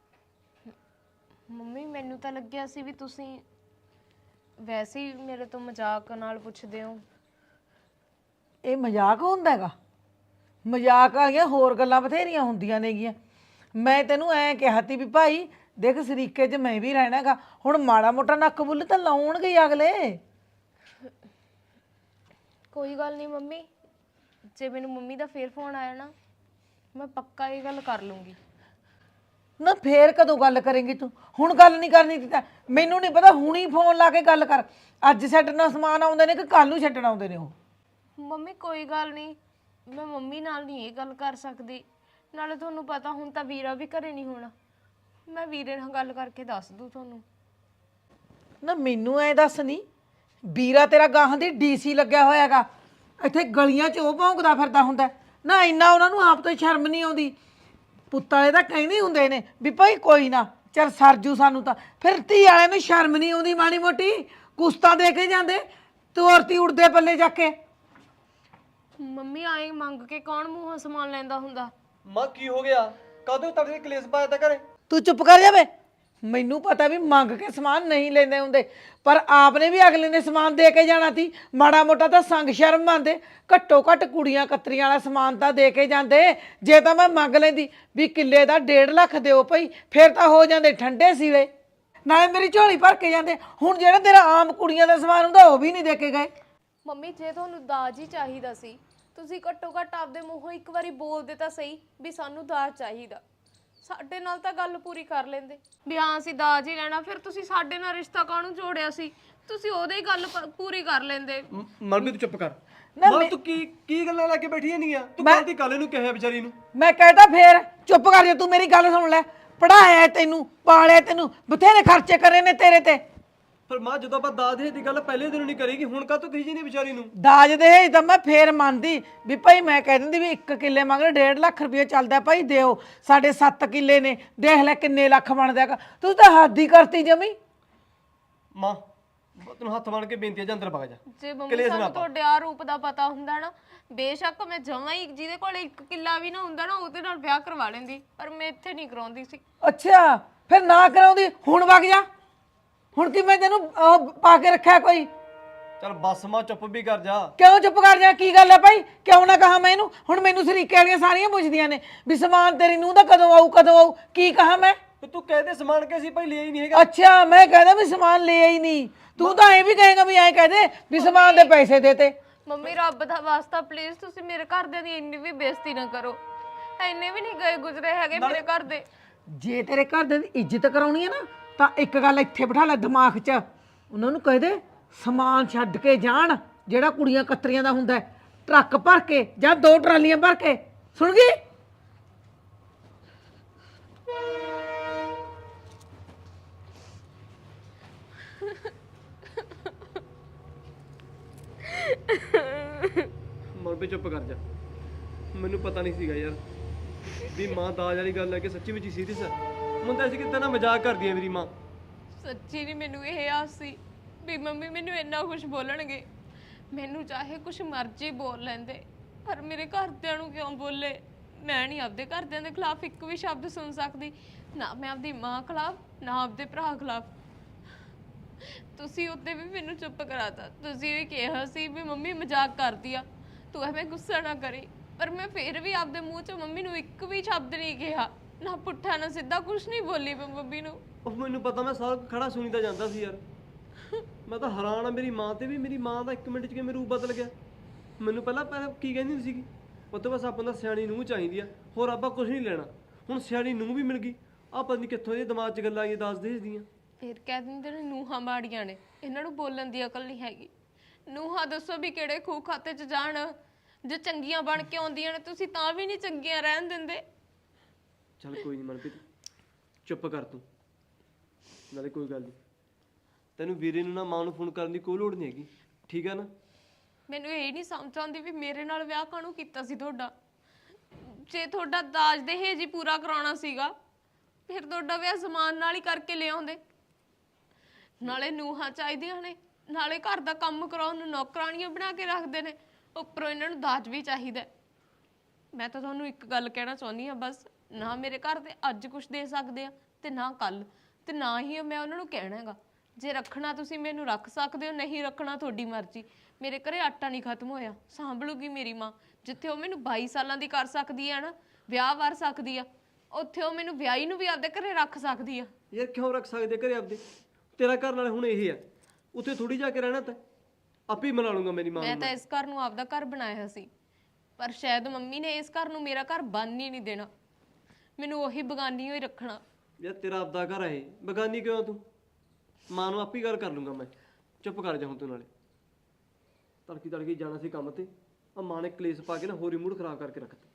ਮੰਮੀ ਮੈਨੂੰ ਤਾਂ ਲੱਗਿਆ ਸੀ ਵੀ ਤੁਸੀਂ ਵੈਸੇ ਹੀ ਮੇਰੇ ਤੋਂ ਮਜ਼ਾਕ ਨਾਲ ਪੁੱਛਦੇ ਹੋ। ਇਹ ਮਜ਼ਾਕ ਹੁੰਦਾ ਹੈਗਾ? ਮਜ਼ਾਕ ਵਾਲੀਆਂ ਹੋਰ ਗੱਲਾਂ ਬਥੇਰੀਆਂ ਹੁੰਦੀਆਂ ਨੇਗੀਆਂ। ਮੈਂ ਤੈਨੂੰ ਐਂ ਕਿਹਾ ਤੀ ਵੀ ਭਾਈ ਦੇਖ ਸਰੀਕੇ 'ਚ ਮੈਂ ਵੀ ਰਹਿਣਾ ਹੈਗਾ, ਹੁਣ ਮਾੜਾ ਮੋਟਾ ਨੱਕ ਬੁੱਲ ਤਾਂ ਲਾਉਣਗੇ ਹੀ ਅਗਲੇ। ਕੋਈ ਗੱਲ ਨਹੀਂ ਮੰਮੀ, ਜੇ ਮੈਨੂੰ ਮੰਮੀ ਦਾ ਫੇਰ ਫੋਨ ਆਇਆ ਨਾ ਮੈਂ ਪੱਕਾ ਇਹ ਗੱਲ ਕਰ ਲੂੰਗੀ। ਨਾ ਫੇਰ ਕਦੋਂ ਗੱਲ ਕਰੇਂਗੀ ਤੂੰ? ਹੁਣ ਗੱਲ ਨਹੀਂ ਕਰਨੀ ਤੀ ਤਾਂ ਮੈਨੂੰ ਨਹੀਂ ਪਤਾ, ਹੁਣੀ ਫੋਨ ਲਾ ਕੇ ਗੱਲ ਕਰ। ਅੱਜ ਛੱਡਣਾ ਸਮਾਨ ਆਉਂਦੇ ਨੇ ਕਿ ਕੱਲ ਨੂੰ ਛੱਡਣ ਆਉਂਦੇ ਨੇ ਉਹ? ਮੰਮੀ ਕੋਈ ਗੱਲ ਨਹੀਂ, ਮੈਂ ਮੰਮੀ ਨਾਲ ਨਹੀਂ ਇਹ ਗੱਲ ਕਰ ਸਕਦੀ, ਨਾਲੇ ਤੁਹਾਨੂੰ ਪਤਾ ਹੁਣ ਤਾਂ ਵੀਰਾ ਵੀ ਘਰੇ ਨਹੀਂ ਹੋਣਾ, ਮੈਂ ਵੀਰੇ ਨਾਲ ਗੱਲ ਕਰਕੇ ਦੱਸ ਦੂੰ ਤੁਹਾਨੂੰ। ਨਾ ਮੈਨੂੰ ਐ ਦੱਸ, ਨਹੀਂ ਵੀਰਾ ਤੇਰਾ ਗਾਹਾਂ ਦੀ ਡੀਸੀ ਲੱਗਿਆ ਹੋਇਆ ਹੈਗਾ, ਇੱਥੇ ਗਲੀਆਂ 'ਚ ਉਹ ਭੌਂਕਦਾ ਫਿਰਦਾ ਹੁੰਦਾ ਨਾ? ਇੰਨਾ ਉਹਨਾਂ ਨੂੰ ਆਪ ਤੋਂ ਸ਼ਰਮ ਨਹੀਂ ਆਉਂਦੀ? ਪੁੱਤ ਵਾਲੇ ਤਾਂ ਕਹਿੰਦੇ ਹੁੰਦੇ ਨੇ ਵੀ ਭਾਈ ਕੋਈ ਨਾ ਚੱਲ ਸਰਜੂ ਸਾਨੂੰ ਤਾਂ, ਫਿਰ ਧੀ ਵਾਲਿਆਂ ਨੂੰ ਸ਼ਰਮ ਨਹੀਂ ਆਉਂਦੀ ਮਾੜੀ ਮੋਟੀ? ਕੁਸਤਾ ਦੇ ਕੇ ਜਾਂਦੇ ਤੋਰਤੀ ਉੜਦੇ ਪੱਲੇ ਜਾ ਕੇ। ਮੰਮੀ ਆਏ ਮੰਗ ਕੇ ਕੌਣ ਮੂੰਹੋਂ ਸਮਾਨ ਲੈਂਦਾ ਹੁੰਦਾ? ਮਾਂ ਕੀ ਹੋ ਗਿਆ? ਕਾਹਦੇ ਤੜਕੇ ਕਲੇਸ਼ ਪਾਇਆ ਤਾ ਘਰੇ? ਤੂੰ ਚੁੱਪ ਕਰ ਜਾਵੇ। ਮੈਨੂੰ ਪਤਾ ਵੀ ਮੰਗ ਕੇ ਸਮਾਨ ਨਹੀਂ ਲੈਂਦੇ ਹੁੰਦੇ, ਪਰ ਆਪਨੇ ਵੀ ਅਗਲੇ ਨੇ ਸਮਾਨ ਦੇ ਕੇ ਜਾਣਾ ਸੀ। ਮਾੜਾ ਮੋਟਾ ਤਾਂ ਸੰਗ ਸ਼ਰਮ ਮੰਨਦੇ, ਘੱਟੋ ਘੱਟ ਕੁੜੀਆਂ ਕਤਰੀਆਂ ਵਾਲਾ ਸਮਾਨ ਤਾਂ ਦੇ ਕੇ ਜਾਂਦੇ। ਜੇ ਤਾਂ ਮੈਂ ਮੰਗ ਲੈਂਦੀ ਵੀ ਕਿੱਲੇ ਦਾ ਡੇਢ ਲੱਖ ਦਿਓ ਭਾਈ, ਫਿਰ ਤਾਂ ਹੋ ਜਾਂਦੇ ਠੰਡੇ ਸੀਲੇ, ਨਾਲੇ ਮੇਰੀ ਝੋਲੀ ਭਰ ਕੇ ਜਾਂਦੇ। ਹੁਣ ਜਿਹੜਾ ਤੇਰਾ ਆਮ ਕੁੜੀਆਂ ਦਾ ਸਮਾਨ ਹੁੰਦਾ ਉਹ ਵੀ ਨਹੀਂ ਦੇ ਕੇ ਗਏ। ਮੰਮੀ ਜੇ ਤੁਹਾਨੂੰ ਦਾਜ ਹੀ ਚਾਹੀਦਾ ਸੀ, ਤੁਸੀਂ ਘੱਟੋ ਘੱਟ ਆਪਦੇ ਮੂੰਹੋਂ ਇੱਕ ਵਾਰੀ ਬੋਲਦੇ ਤਾਂ ਸਹੀ ਵੀ ਸਾਨੂੰ ਦਾਜ ਚਾਹੀਦਾ। ਸਾਡੇ ਨਾਲ ਤਾਂ ਗੱਲ ਪੂਰੀ ਕਰ ਲੈਂਦੇ ਵੀ ਹਾਂ ਅਸੀਂ ਦਾਜ ਹੀ ਲੈਣਾ, ਫਿਰ ਤੁਸੀਂ ਸਾਡੇ ਨਾਲ ਰਿਸ਼ਤਾ ਕਾਹਨੂੰ ਜੋੜਿਆ ਸੀ? ਤੁਸੀਂ ਉਹਦੇ ਹੀ ਗੱਲ ਪ- ਪੂਰੀ ਕਰ ਲੈਂਦੇ। ਮਨਪ੍ਰੀਤ ਤੂੰ ਚੁੱਪ ਕਰ। ਨਾ ਮਾਂ ਤੂੰ ਕੀ ਕੀ ਗੱਲਾਂ ਲੈ ਕੇ ਬੈਠੀ ਨਹੀਂ ਆ? ਤੂੰ ਕੱਲ ਦੀ ਕੱਲ ਨੂੰ ਕਿਹਾ ਵਿਚਾਰੀ ਨੂੰ। ਮੈਂ ਕਹਿਤਾ ਫੇਰ ਚੁੱਪ ਕਰ ਜਾ, ਤੂੰ ਮੇਰੀ ਗੱਲ ਸੁਣ ਲੈ। ਪੜਾਇਆ ਤੈਨੂੰ, ਪਾਲਿਆ ਤੈਨੂੰ, ਬਥੇਰੇ ਖਰਚੇ ਕਰੇ ਨੇ ਤੇਰੇ ਤੇ। ਪਰ ਮਾਂ ਜਦੋਂ ਆਪਾਂ ਦਾਜ ਦੇ ਦੀ ਗੱਲ ਪਹਿਲੇ ਦਿਨ ਨਹੀਂ ਕਰੇਗੀ, ਹੁਣ ਕਾ ਤੂੰ ਕਹੀ ਜੀ ਨਹੀਂ ਵਿਚਾਰੀ ਨੂੰ? ਦਾਜ ਦੇ ਤਾਂ ਮੈਂ ਫੇਰ ਮੰਨਦੀ ਵੀ ਭਾਈ, ਮੈਂ ਕਹਿ ਦਿੰਦੀ ਵੀ ਇੱਕ ਕਿੱਲੇ ਮਗਰ ਡੇਢ ਲੱਖ ਰੁਪਏ ਚੱਲਦਾ ਭਾਈ ਦਿਓ। ਸਾਡੇ ਸੱਤ ਕਿੱਲੇ ਨੇ, ਦੇਖ ਲੈ ਕਿੰਨੇ ਲੱਖ ਬਣਦਾ ਹੈਗਾ। ਤੂੰ ਤਾਂ ਹੱਦ ਹੀ ਕਰਤੀ ਜਮੀ। ਮਾਂ ਤੈਨੂੰ ਹੱਥ ਬਣ ਕੇ ਬੇਨਤੀ ਹੈ, ਜਾਂ ਅੰਦਰ ਵਗ ਜਾ। ਜੇ ਮੰਮੀ ਸਾਨੂੰ ਤੁਹਾਡੇ ਆ ਰੂਪ ਦਾ ਪਤਾ ਹੁੰਦਾ ਨਾ, ਬੇਸ਼ੱਕ ਮੈਂ ਜਮਾਂ ਹੀ ਜਿਹਦੇ ਕੋਲ ਇੱਕ ਕਿੱਲਾ ਵੀ ਨਾ ਹੁੰਦਾ ਨਾ ਉਹਦੇ ਨਾਲ ਵਿਆਹ ਕਰਵਾ ਲੈਂਦੀ, ਪਰ ਮੈਂ ਇੱਥੇ ਨਹੀਂ ਕਰਾਉਂਦੀ ਸੀ। ਅੱਛਾ ਫਿਰ ਨਾ ਕਰਾਉਂਦੀ, ਹੁਣ ਵਗ ਜਾ। ਹੁਣ ਕੀ ਮੈਂ ਤੈਨੂੰ ਉਹ ਪਾ ਕੇ ਰੱਖਿਆ ਕੋਈ? ਚੱਲ ਬੱਸ ਮਾਂ ਚੁੱਪ ਵੀ ਕਰ ਜਾ। ਕਿਉਂ ਚੁੱਪ ਕਰ ਜਾ? ਕੀ ਗੱਲ ਹੈ ਭਾਈ, ਕਿਉਂ ਨਾ ਕਹਾ ਮੈਂ ਇਹਨੂੰ? ਹੁਣ ਮੈਨੂੰ ਸਰੀਕੇ ਵਾਲੀਆਂ ਸਾਰੀਆਂ ਪੁੱਛਦੀਆਂ ਨੇ ਵੀ ਸਮਾਨ ਤੇਰੀ ਨੂੰਹ ਦਾ ਕਦੋਂ ਆਊ ਕਦੋਂ ਆਊ। ਕੀ ਕਹਾ ਮੈਂ? ਤੇ ਤੂੰ ਕਹਿ ਦੇ ਸਮਾਨ ਕੇ ਅਸੀਂ ਭਾਈ ਲਿਆ ਹੀ ਨਹੀਂ ਹੈਗਾ। ਅੱਛਾ ਮੈਂ ਕਹਦਾ ਵੀ ਸਮਾਨ ਲਿਆ ਹੀ ਨਹੀਂ, ਤੂੰ ਤਾਂ ਐ ਵੀ ਕਹੇਗਾ ਵੀ ਐ ਕਹਦੇ ਵੀ ਸਮਾਨ ਦੇ ਪੈਸੇ ਦੇਤੇ। ਮੰਮੀ ਰੱਬ ਦਾ ਵਾਸਤਾ ਪਲੀਜ਼ ਤੁਸੀਂ ਮੇਰੇ ਘਰਦਿਆਂ ਦੀ ਇੰਨੀ ਵੀ ਬੇਇੱਜ਼ਤੀ ਨਾ ਕਰੋ। ਇੰਨੇ ਵੀ ਨਹੀਂ ਗਏ ਗੁਜ਼ਰੇ ਹੈਗੇ ਮੇਰੇ ਘਰ ਦੇ। ਜੇ ਤੇਰੇ ਘਰ ਦੇ ਦੀ ਇੱਜ਼ਤ ਕਰਾਉਣੀ ਹੈ ਨਾ, ਤਾਂ ਇੱਕ ਗੱਲ ਇੱਥੇ ਬਿਠਾ ਲੈ ਦਿਮਾਗ 'ਚ। ਉਹਨਾਂ ਨੂੰ ਕਹਿ ਦੇ ਸਮਾਨ ਛੱਡ ਕੇ ਜਾਣ, ਜਿਹੜਾ ਕੁੜੀਆਂ ਕਤਰੀਆਂ ਦਾ ਹੁੰਦਾ ਹੈ, ਟਰੱਕ ਭਰ ਕੇ ਜਾਂ ਦੋ ਟਰਾਲੀਆਂ ਭਰ ਕੇ। ਸੁਣ ਗਈ? ਮਨਪ੍ਰੀਤ ਚੁੱਪ ਕਰ ਜਾ। ਮੈਨੂੰ ਪਤਾ ਨਹੀਂ ਸੀਗਾ ਯਾਰ ਵੀ ਮਾਂ ਦਾਜ ਵਾਲੀ ਗੱਲ ਲੈ ਕੇ ਸੱਚੀ ਵਿੱਚ ਹੀ ਸੀਰੀਅਸ ਹੈ। ਮੈਨੂੰ ਤਾਂ ਸੀ ਕਿ ਤੇਰਾ ਮਜ਼ਾਕ ਕਰਦੀ ਹੈ ਮੇਰੀ ਮਾਂ। ਸੱਚੀ ਨਹੀਂ ਮੈਨੂੰ ਇਹ ਆਸ ਸੀ ਵੀ ਮੰਮੀ ਮੈਨੂੰ ਇੰਨਾ ਕੁਝ ਬੋਲਣਗੇ। ਮੈਨੂੰ ਚਾਹੇ ਕੁਝ ਮਰਜ਼ੀ ਬੋਲ ਲੈਂਦੇ, ਪਰ ਮੇਰੇ ਘਰਦਿਆਂ ਨੂੰ ਕਿਉਂ ਬੋਲੇ? ਮੈਂ ਨਹੀਂ ਆਪਦੇ ਘਰਦਿਆਂ ਦੇ ਖਿਲਾਫ ਇੱਕ ਵੀ ਸ਼ਬਦ ਸੁਣ ਸਕਦੀ, ਨਾ ਮੈਂ ਆਪਦੀ ਮਾਂ ਖਿਲਾਫ, ਨਾ ਆਪਦੇ ਭਰਾ ਖਿਲਾਫ। ਤੁਸੀਂ ਉੱਤੇ ਵੀ ਮੈਨੂੰ ਚੁੱਪ ਕਰਾਤਾ। ਤੁਸੀਂ ਵੀ ਕਿਹਾ ਸੀ ਵੀ ਮੰਮੀ ਮਜ਼ਾਕ ਕਰਦੀ ਆ, ਤੂੰ ਐਵੇਂ ਗੁੱਸਾ ਨਾ ਕਰੀ, ਪਰ ਮੈਂ ਫਿਰ ਵੀ ਆਪਦੇ ਮੂੰਹ 'ਚੋਂ ਮੰਮੀ ਨੂੰ ਇੱਕ ਵੀ ਸ਼ਬਦ ਨਹੀਂ ਕਿਹਾ, ਨਾ ਪੁੱਠਾ ਨਾ ਸਿੱਧਾ ਕੁਝ ਨਹੀਂ ਬੋਲੀ ਮੈਂ ਮੰਮੀ ਨੂੰ। ਉਹ ਮੈਨੂੰ ਪਤਾ, ਮੈਂ ਸਾਰਾ ਕੁਝ ਖੜਾ ਸੁਣੀ ਤਾਂ ਜਾਂਦਾ ਸੀ ਯਾਰ। ਮੈਂ ਤਾਂ ਹੈਰਾਨ ਆ ਮੇਰੀ ਮਾਂ ਤੇ ਵੀ। ਮੇਰੀ ਮਾਂ ਦਾ ਇੱਕ ਮਿੰਟ 'ਚ ਕਿਵੇਂ ਰੂਪ ਬਦਲ ਗਿਆ। ਮੈਨੂੰ ਪਹਿਲਾਂ ਪਹਿਲਾਂ ਕੀ ਕਹਿੰਦੀ ਹੁੰਦੀ ਸੀਗੀ, ਉਹ ਤੋਂ ਬਸ ਆਪਾਂ ਦਾ ਸਿਆਣੀ ਨੂੰਹ ਚਾਹੀਦੀ ਆ, ਹੋਰ ਆਪਾਂ ਕੁਝ ਨਹੀਂ ਲੈਣਾ। ਹੁਣ ਸਿਆਣੀ ਨੂੰਹ ਵੀ ਮਿਲ ਗਈ। ਆਹ ਪਤਾ ਨਹੀਂ ਕਿੱਥੋਂ ਇਹਦੇ ਦਿਮਾਗ 'ਚ ਗੱਲਾਂ ਆਈਆਂ ਦੱਸ ਦੇਦੀਆਂ। ਫਿਰ ਕਹਿ ਦਿੰਦੇ ਨੇ ਨੂੰਹਾਂ ਮਾੜੀਆਂ ਨੇ, ਇਹਨਾਂ ਨੂੰ ਬੋਲਣ ਦੀ ਅਕਲ ਨਹੀਂ ਹੈਗੀ। ਨੂੰਹਾਂ ਦੱਸੋ ਵੀ ਕਿਹੜੇ ਖੂਹ ਖਾਤੇ 'ਚ ਜਾਣ? ਜੇ ਚੰਗੀਆਂ ਬਣ ਕੇ ਆਉਂਦੀਆਂ ਨੇ ਤੁਸੀਂ ਤਾਂ ਵੀ ਨਹੀਂ ਚੰਗੀਆਂ ਰਹਿਣ ਦਿੰਦੇ। ਚੱਲ ਕੋਈ ਨਹੀਂ ਮਨਪ੍ਰੀਤ, ਚੁੱਪ ਕਰ ਤੂੰ। ਨਾਲੇ ਕੋਈ ਗੱਲ ਨਹੀਂ, ਤੈਨੂੰ ਵੀਰੇ ਨੂੰ ਨਾ ਮਾਂ ਨੂੰ ਫੋਨ ਕਰਨ ਦੀ ਕੋਈ ਲੋੜ ਨਹੀਂ ਹੈਗੀ, ਠੀਕ ਹੈ ਨਾ? ਮੈਨੂੰ ਇਹ ਨਹੀਂ ਸਮਝ ਆਉਂਦੀ ਵੀ ਮੇਰੇ ਨਾਲ ਵਿਆਹ ਕਾਹਨੂੰ ਕੀਤਾ ਸੀ ਤੁਹਾਡਾ। ਜੇ ਤੁਹਾਡਾ ਦਾਜ ਦਹੇਜ ਹੀ ਪੂਰਾ ਕਰਾਉਣਾ ਸੀਗਾ, ਫਿਰ ਤੁਹਾਡਾ ਵਿਆਹ ਜ਼ਮਾਨ ਨਾਲ ਹੀ ਕਰਕੇ ਲਿਆਉਂਦੇ। ਨਾਲੇ ਨੂੰਹਾਂ ਚਾਹੀਦੀਆਂ ਨੇ, ਨਾਲੇ ਘਰ ਦਾ ਕੰਮ ਕਰਾਉਣ ਨੂੰ ਨੌਕਰਾਣੀਆਂ ਬਣਾ ਕੇ ਰੱਖਦੇ ਨੇ, ਉੱਪਰੋਂ ਇਹਨਾਂ ਨੂੰ ਦਾਜ ਵੀ ਚਾਹੀਦਾ। ਮੈਂ ਤਾਂ ਤੁਹਾਨੂੰ ਇੱਕ ਗੱਲ ਕਹਿਣਾ ਚਾਹੁੰਦੀ ਹਾਂ ਬਸ, ਨਾ ਮੇਰੇ ਘਰ ਦੇ ਅੱਜ ਕੁਝ ਦੇ ਸਕਦੇ ਆ ਤੇ ਨਾ ਕੱਲ, ਤੇ ਨਾ ਹੀ ਮੈਂ ਉਹਨਾਂ ਨੂੰ ਕਹਿਣਾ ਹੈਗਾ। ਜੇ ਰੱਖਣਾ ਤੁਸੀਂ ਮੈਨੂੰ ਰੱਖ ਸਕਦੇ ਹੋ, ਨਹੀਂ ਰੱਖਣਾ ਤੁਹਾਡੀ ਮਰਜ਼ੀ। ਮੇਰੇ ਘਰੇ ਆਟਾ ਨਹੀਂ ਖਤਮ ਹੋਇਆ, ਸਾਂਭਲੂਗੀ ਮੇਰੀ ਮਾਂ। ਜਿੱਥੇ ਉਹ ਮੈਨੂੰ ਬਾਈ ਸਾਲਾਂ ਦੀ ਕਰ ਸਕਦੀ ਹੈ ਨਾ, ਵਿਆਹ ਵਰ ਸਕਦੀ ਆ, ਉੱਥੇ ਉਹ ਮੈਨੂੰ ਵਿਆਹੀ ਨੂੰ ਵੀ ਆਪਦੇ ਘਰੇ ਰੱਖ ਸਕਦੀ ਆ। ਯਾਰ ਕਿਉਂ ਰੱਖ ਸਕਦੇ ਘਰੇ ਆਪਦੇ? ਤੇਰਾ ਘਰ ਨਾਲ ਹੁਣ ਇਹ ਆ, ਉੱਥੇ ਥੋੜੀ ਜਾ ਕੇ ਰਹਿਣਾ ਤਾਂ ਆਪੇ ਹੀ ਮਨਾ ਲੂੰਗਾ ਮੇਰੀ ਮਾਂ ਨੂੰ। ਮੈਂ ਤਾਂ ਇਸ ਘਰ ਨੂੰ ਆਪਦਾ ਘਰ ਬਣਾਇਆ ਸੀ, ਪਰ ਸ਼ਾਇਦ ਮੰਮੀ ਨੇ ਇਸ ਘਰ ਨੂੰ ਮੇਰਾ ਘਰ ਬਣ ਹੀ ਨਹੀਂ ਦੇਣਾ, ਮੈਨੂੰ ਉਹੀ ਬਗਾਨੀ ਹੋਈ ਰੱਖਣਾ। ਯਾਰ ਤੇਰਾ ਆਪਦਾ ਘਰ ਹੈ, ਬਗਾਨੀ ਕਿਉਂ ਤੂੰ? ਮਾਂ ਨੂੰ ਆਪੇ ਗੱਲ ਕਰ ਲੂੰਗਾ ਮੈਂ। ਚੁੱਪ ਕਰ ਜਾ ਹੁਣ ਤੂੰ। ਨਾਲੇ ਤੜਕੀ ਤੜਕੀ ਜਾਣਾ ਸੀ ਕੰਮ ਤੇ, ਆ ਮਾਂ ਨੇ ਕਲੇਸ਼ ਪਾ ਕੇ ਨਾ ਹੋਰ ਹੀ ਮੂਡ ਖਰਾਬ ਕਰਕੇ ਰੱਖਤਾ।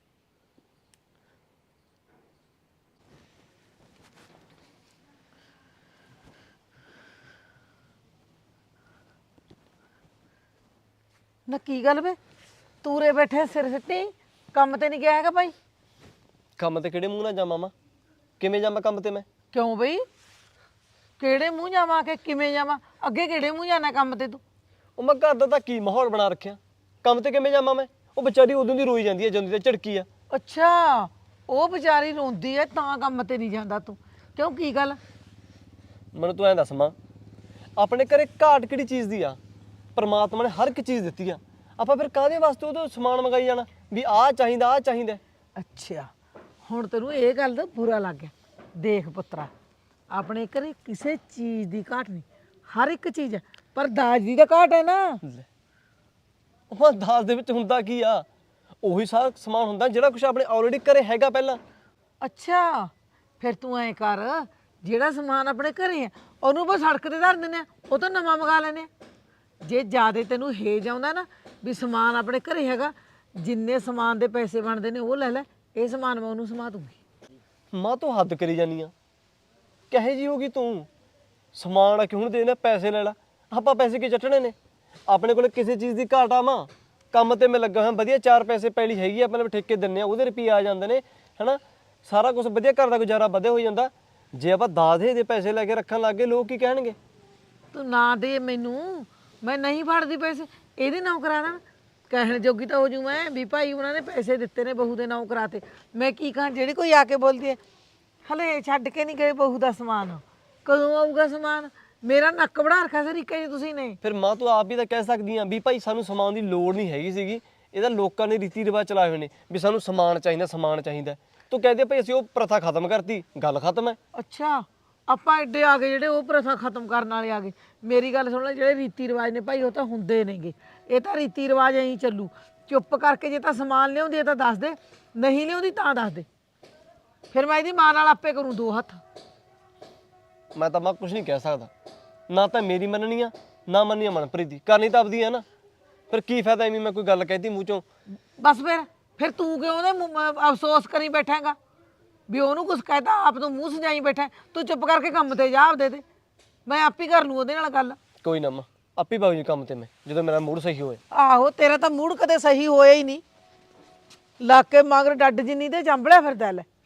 ਨਾ ਕੀ ਗੱਲ ਵੇ, ਤੂਰੇ ਬੈਠੇ ਸਿਰ ਸਿੱਟੀ, ਕੰਮ ਤੇ ਨਹੀਂ ਗਿਆ ਹੈਗਾ ਭਾਈ? ਕੰਮ ਤੇ ਕਿਹੜੇ ਮੂੰਹ ਨਾਲ ਜਾਵਾਂ ਮਾਂ? ਕਿਵੇਂ ਜਾਵਾਂ ਕੰਮ ਤੇ ਮੈਂ? ਕਿਉਂ ਬਈ, ਕਿਹੜੇ ਮੂੰਹ ਜਾਵਾਂ ਕਿ ਕਿਵੇਂ ਜਾਵਾਂ? ਅੱਗੇ ਕਿਹੜੇ ਮੂੰਹ ਜਾਣਾ ਕੰਮ ਤੇ ਤੂੰ? ਉਹ ਮੈਂ ਘਰ ਦਾ ਤਾਂ ਕੀ ਮਾਹੌਲ ਬਣਾ ਰੱਖਿਆ, ਕੰਮ ਤੇ ਕਿਵੇਂ ਜਾਵਾਂ ਮੈਂ? ਉਹ ਵਿਚਾਰੀ ਉਦੋਂ ਦੀ ਰੋਈ ਜਾਂਦੀ ਹੈ ਜਦੋਂ ਦੀ ਝੜਕੀ ਆ। ਅੱਛਾ, ਉਹ ਵਿਚਾਰੀ ਰੋਂਦੀ ਐ ਤਾਂ ਕੰਮ ਤੇ ਨਹੀਂ ਜਾਂਦਾ ਤੂੰ? ਕਿਉਂ, ਕੀ ਗੱਲ? ਮੈਨੂੰ ਤੂੰ ਐਂ ਦੱਸ ਮਾਂ, ਆਪਣੇ ਘਰੇ ਘਾਟ ਕਿਹੜੀ ਚੀਜ਼ ਦੀ ਆ? ਪਰਮਾਤਮਾ ਨੇ ਹਰ ਇੱਕ ਚੀਜ਼ ਦਿੱਤੀ ਆ, ਆਪਾਂ ਫਿਰ ਕਾਹਦੇ ਵਾਸਤੇ ਉਹਦਾ ਸਮਾਨ ਮੰਗਾਈ ਜਾਣਾ ਵੀ ਆਹ ਚਾਹੀਦਾ ਆਹ ਚਾਹੀਦਾ? ਅੱਛਾ, ਹੁਣ ਤੈਨੂੰ ਇਹ ਗੱਲ ਦਾ ਬੁਰਾ ਲੱਗ ਗਿਆ। ਦੇਖ ਪੁੱਤਰਾ, ਆਪਣੇ ਘਰੇ ਕਿਸੇ ਚੀਜ਼ ਦੀ ਘਾਟ ਨਹੀਂ, ਹਰ ਇੱਕ ਚੀਜ਼ ਹੈ, ਪਰ ਦਾਜ ਦੀ ਤਾਂ ਘਾਟ ਹੈ ਨਾ। ਉਹ ਦਾਜ ਦੇ ਵਿੱਚ ਹੁੰਦਾ ਕੀ ਆ? ਉਹੀ ਸਾਰਾ ਸਮਾਨ ਹੁੰਦਾ ਜਿਹੜਾ ਕੁਝ ਆਪਣੇ ਆਲਰੇਡੀ ਘਰੇ ਹੈਗਾ ਪਹਿਲਾਂ। ਅੱਛਾ ਫਿਰ ਤੂੰ ਐ ਕਰ, ਜਿਹੜਾ ਸਮਾਨ ਆਪਣੇ ਘਰੇ ਆ ਉਹਨੂੰ ਬਸ ਸੜਕ ਤੇ ਧਰ ਦਿੰਦੇ ਆ, ਉਹ ਤਾਂ ਨਵਾਂ ਮੰਗਾ ਲੈਨੇ ਆ। ਜੇ ਜਿਆਦੇ ਤੈਨੂੰ ਹੇਜ ਆਉਂਦਾ ਨਾ ਵੀ ਸਮਾਨ ਆਪਣੇ ਘਰੇ ਹੈਗਾ, ਜਿੰਨੇ ਸਮਾਨ ਦੇ ਪੈਸੇ ਬਣਦੇ ਨੇ ਉਹ ਲੈ ਲੈ, ਇਹ ਸਮਾਨ ਮੈਂ ਉਹਨੂੰ ਸਮਾ ਦੂੰਗੀ। ਮਾਂ ਤੂੰ ਹੱਦ ਕਰੀ ਜਾਨੀ ਆ, ਕਹੇ ਜੀ ਹੋਗੀ ਤੂੰ? ਸਮਾਨ ਆ ਕਿ ਹੁਣ ਦੇ ਨਾ ਪੈਸੇ ਲੈ ਲਾ, ਆਪਾਂ ਪੈਸੇ ਕੀ ਚੱਟਣੇ ਨੇ? ਆਪਣੇ ਕੋਲ ਕਿਸੇ ਚੀਜ਼ ਦੀ ਘਾਟ ਆ ਮਾਂ? ਕੰਮ ਤੇ ਮੈਂ ਲੱਗਾ ਹਾਂ, ਵਧੀਆ ਚਾਰ ਪੈਸੇ ਪੈਲੀ ਹੈਗੀ ਆ, ਆਪਣੇ ਠੇਕੇ ਦਿੰਨੇ ਆ, ਉਹਦੇ ਰੁਪਈਏ ਆ ਜਾਂਦੇ ਨੇ ਹਨਾ, ਸਾਰਾ ਕੁਝ ਵਧੀਆ, ਘਰ ਦਾ ਗੁਜ਼ਾਰਾ ਵਧਿਆ ਹੋ ਜਾਂਦਾ। ਜੇ ਆਪਾਂ ਦਾਦੇ ਦੇ ਪੈਸੇ ਲੈ ਕੇ ਰੱਖਣ ਲੱਗ ਗਏ, ਲੋਕ ਕੀ ਕਹਿਣਗੇ? ਤੂੰ ਨਾ ਦੇ ਮੈਨੂੰ, ਮੈਂ ਨਹੀਂ ਫੜਦੀ ਪੈਸੇ, ਇਹਦੇ ਨਾਂ ਕਰਾ ਦਾਂ। ਕਹਿਣ ਜੋਗੀ ਤਾਂ ਹੋ ਜੂ ਮੈਂ ਵੀ ਭਾਈ ਉਹਨਾਂ ਨੇ ਪੈਸੇ ਦਿੱਤੇ ਨੇ ਬਹੂ ਦੇ ਨਾਂ ਕਰਾਤੇ। ਮੈਂ ਕੀ ਕਹਾਂ, ਜਿਹੜੀ ਕੋਈ ਆ ਕੇ ਬੋਲਦੀ ਹੈ ਹਲੇ ਛੱਡ ਕੇ ਨਹੀਂ ਗਏ ਬਹੂ ਦਾ ਸਮਾਨ, ਕਦੋਂ ਆਊਗਾ ਸਮਾਨ? ਮੇਰਾ ਨੱਕ ਵੜਾ ਰੱਖਿਆ ਸਰੀਕਾ ਜੀ ਤੁਸੀਂ ਨੇ। ਫਿਰ ਮਾਂ ਤੂੰ ਆਪ ਵੀ ਤਾਂ ਕਹਿ ਸਕਦੀ ਆ ਵੀ ਭਾਈ ਸਾਨੂੰ ਸਮਾਨ ਦੀ ਲੋੜ ਨਹੀਂ ਹੈਗੀ ਸੀਗੀ, ਇਹਦਾ ਲੋਕਾਂ ਨੇ ਰੀਤੀ ਰਿਵਾਜ ਚਲਾਏ ਹੋਏ ਨੇ ਵੀ ਸਾਨੂੰ ਸਮਾਨ ਚਾਹੀਦਾ, ਸਮਾਨ ਚਾਹੀਦਾ। ਤੂੰ ਕਹਦੇ ਭਾਈ ਅਸੀਂ ਉਹ ਪ੍ਰਥਾ ਖਤਮ ਕਰਤੀ, ਗੱਲ ਖਤਮ ਹੈ। ਅੱਛਾ ਆਪਾਂ ਐਡੇ ਆ ਗਏ ਜਿਹੜੇ ਉਹ ਪ੍ਰਥਾ ਖਤਮ ਕਰਨ ਵਾਲੇ ਆ ਗਏ। ਮੇਰੀ ਗੱਲ ਸੁਣ ਲੈ, ਜਿਹੜੇ ਰੀਤੀ ਰਿਵਾਜ ਨੇ ਭਾਈ ਉਹ ਤਾਂ ਹੁੰਦੇ ਨੇਗੇ, ਇਹ ਤਾਂ ਰੀਤੀ ਰਿਵਾਜ ਐਂ ਚੱਲੂ। ਚੁੱਪ ਕਰਕੇ ਜੇ ਤਾਂ ਸਮਾਨ ਲਿਆਉਂਦੀ ਹੈ ਤਾਂ ਦੱਸ ਦੇ, ਨਹੀਂ ਲਿਆਉਂਦੀ ਤਾਂ ਦੱਸ ਦੇ, ਫਿਰ ਮੈਂ ਇਹਦੀ ਮਾਂ ਨਾਲ ਆਪੇ ਕਰੂੰ ਦੋ ਹੱਥ। ਮੈਂ ਤਾਂ ਮਾਂ ਕੁਝ ਨਹੀਂ ਕਹਿ ਸਕਦਾ, ਨਾ ਤਾਂ ਮੇਰੀ ਮੰਨਣੀ ਆ ਨਾ ਮੰਨਣੀ ਆ ਮਨਪ੍ਰੀਤ ਦੀ, ਕਰਨੀ ਤਾਂ ਆਪਦੀ ਆ ਨਾ। ਫਿਰ ਕੀ ਫਾਇਦਾ ਐਵੇਂ ਮੈਂ ਕੋਈ ਗੱਲ ਕਹਿਤੀ ਮੂੰਹ ਚੋਂ? ਬਸ ਫਿਰ ਫਿਰ ਤੂੰ ਕਿਉਂ ਉਹਦੇ ਮੂੰਹ- ਅਹ ਅਫਸੋਸ ਕਰੀ ਬੈਠਾਂਗਾ ਵੀ ਉਹਨੂੰ ਕੁਝ ਕਹਿਤਾ, ਆਪ ਤੋਂ ਮੂੰਹ ਸਜਾਈ ਬੈਠਾ। ਤੂੰ ਚੁੱਪ ਕਰਕੇ ਕੰਮ ਤੇ ਜਾ ਆਪਦੇ ਤੇ, ਮੈਂ ਆਪ ਹੀ ਕਰ ਲੂੰ ਉਹਦੇ ਨਾਲ ਗੱਲ। ਕੋਈ ਨਾ ਮਾਂ, ਆਪੇ ਬਾਬੂ ਜੀ ਕੰਮ ਤੇ ਮੈਂ, ਜਦੋਂ ਮੇਰਾ ਮੂਡ ਸਹੀ ਹੋਏ। ਆਹੋ ਤੇਰਾ ਤਾਂ ਮੂਡ ਕਦੇ ਸਹੀ ਹੋਇਆ ਹੀ ਨਹੀਂ, ਲਾ ਕੇ ਮਗਰ ਡੱਡ ਜਿੰਨੀ ਤੇ ਚੰਬੜਿਆ ਫਿਰਦਾ ਲੈ।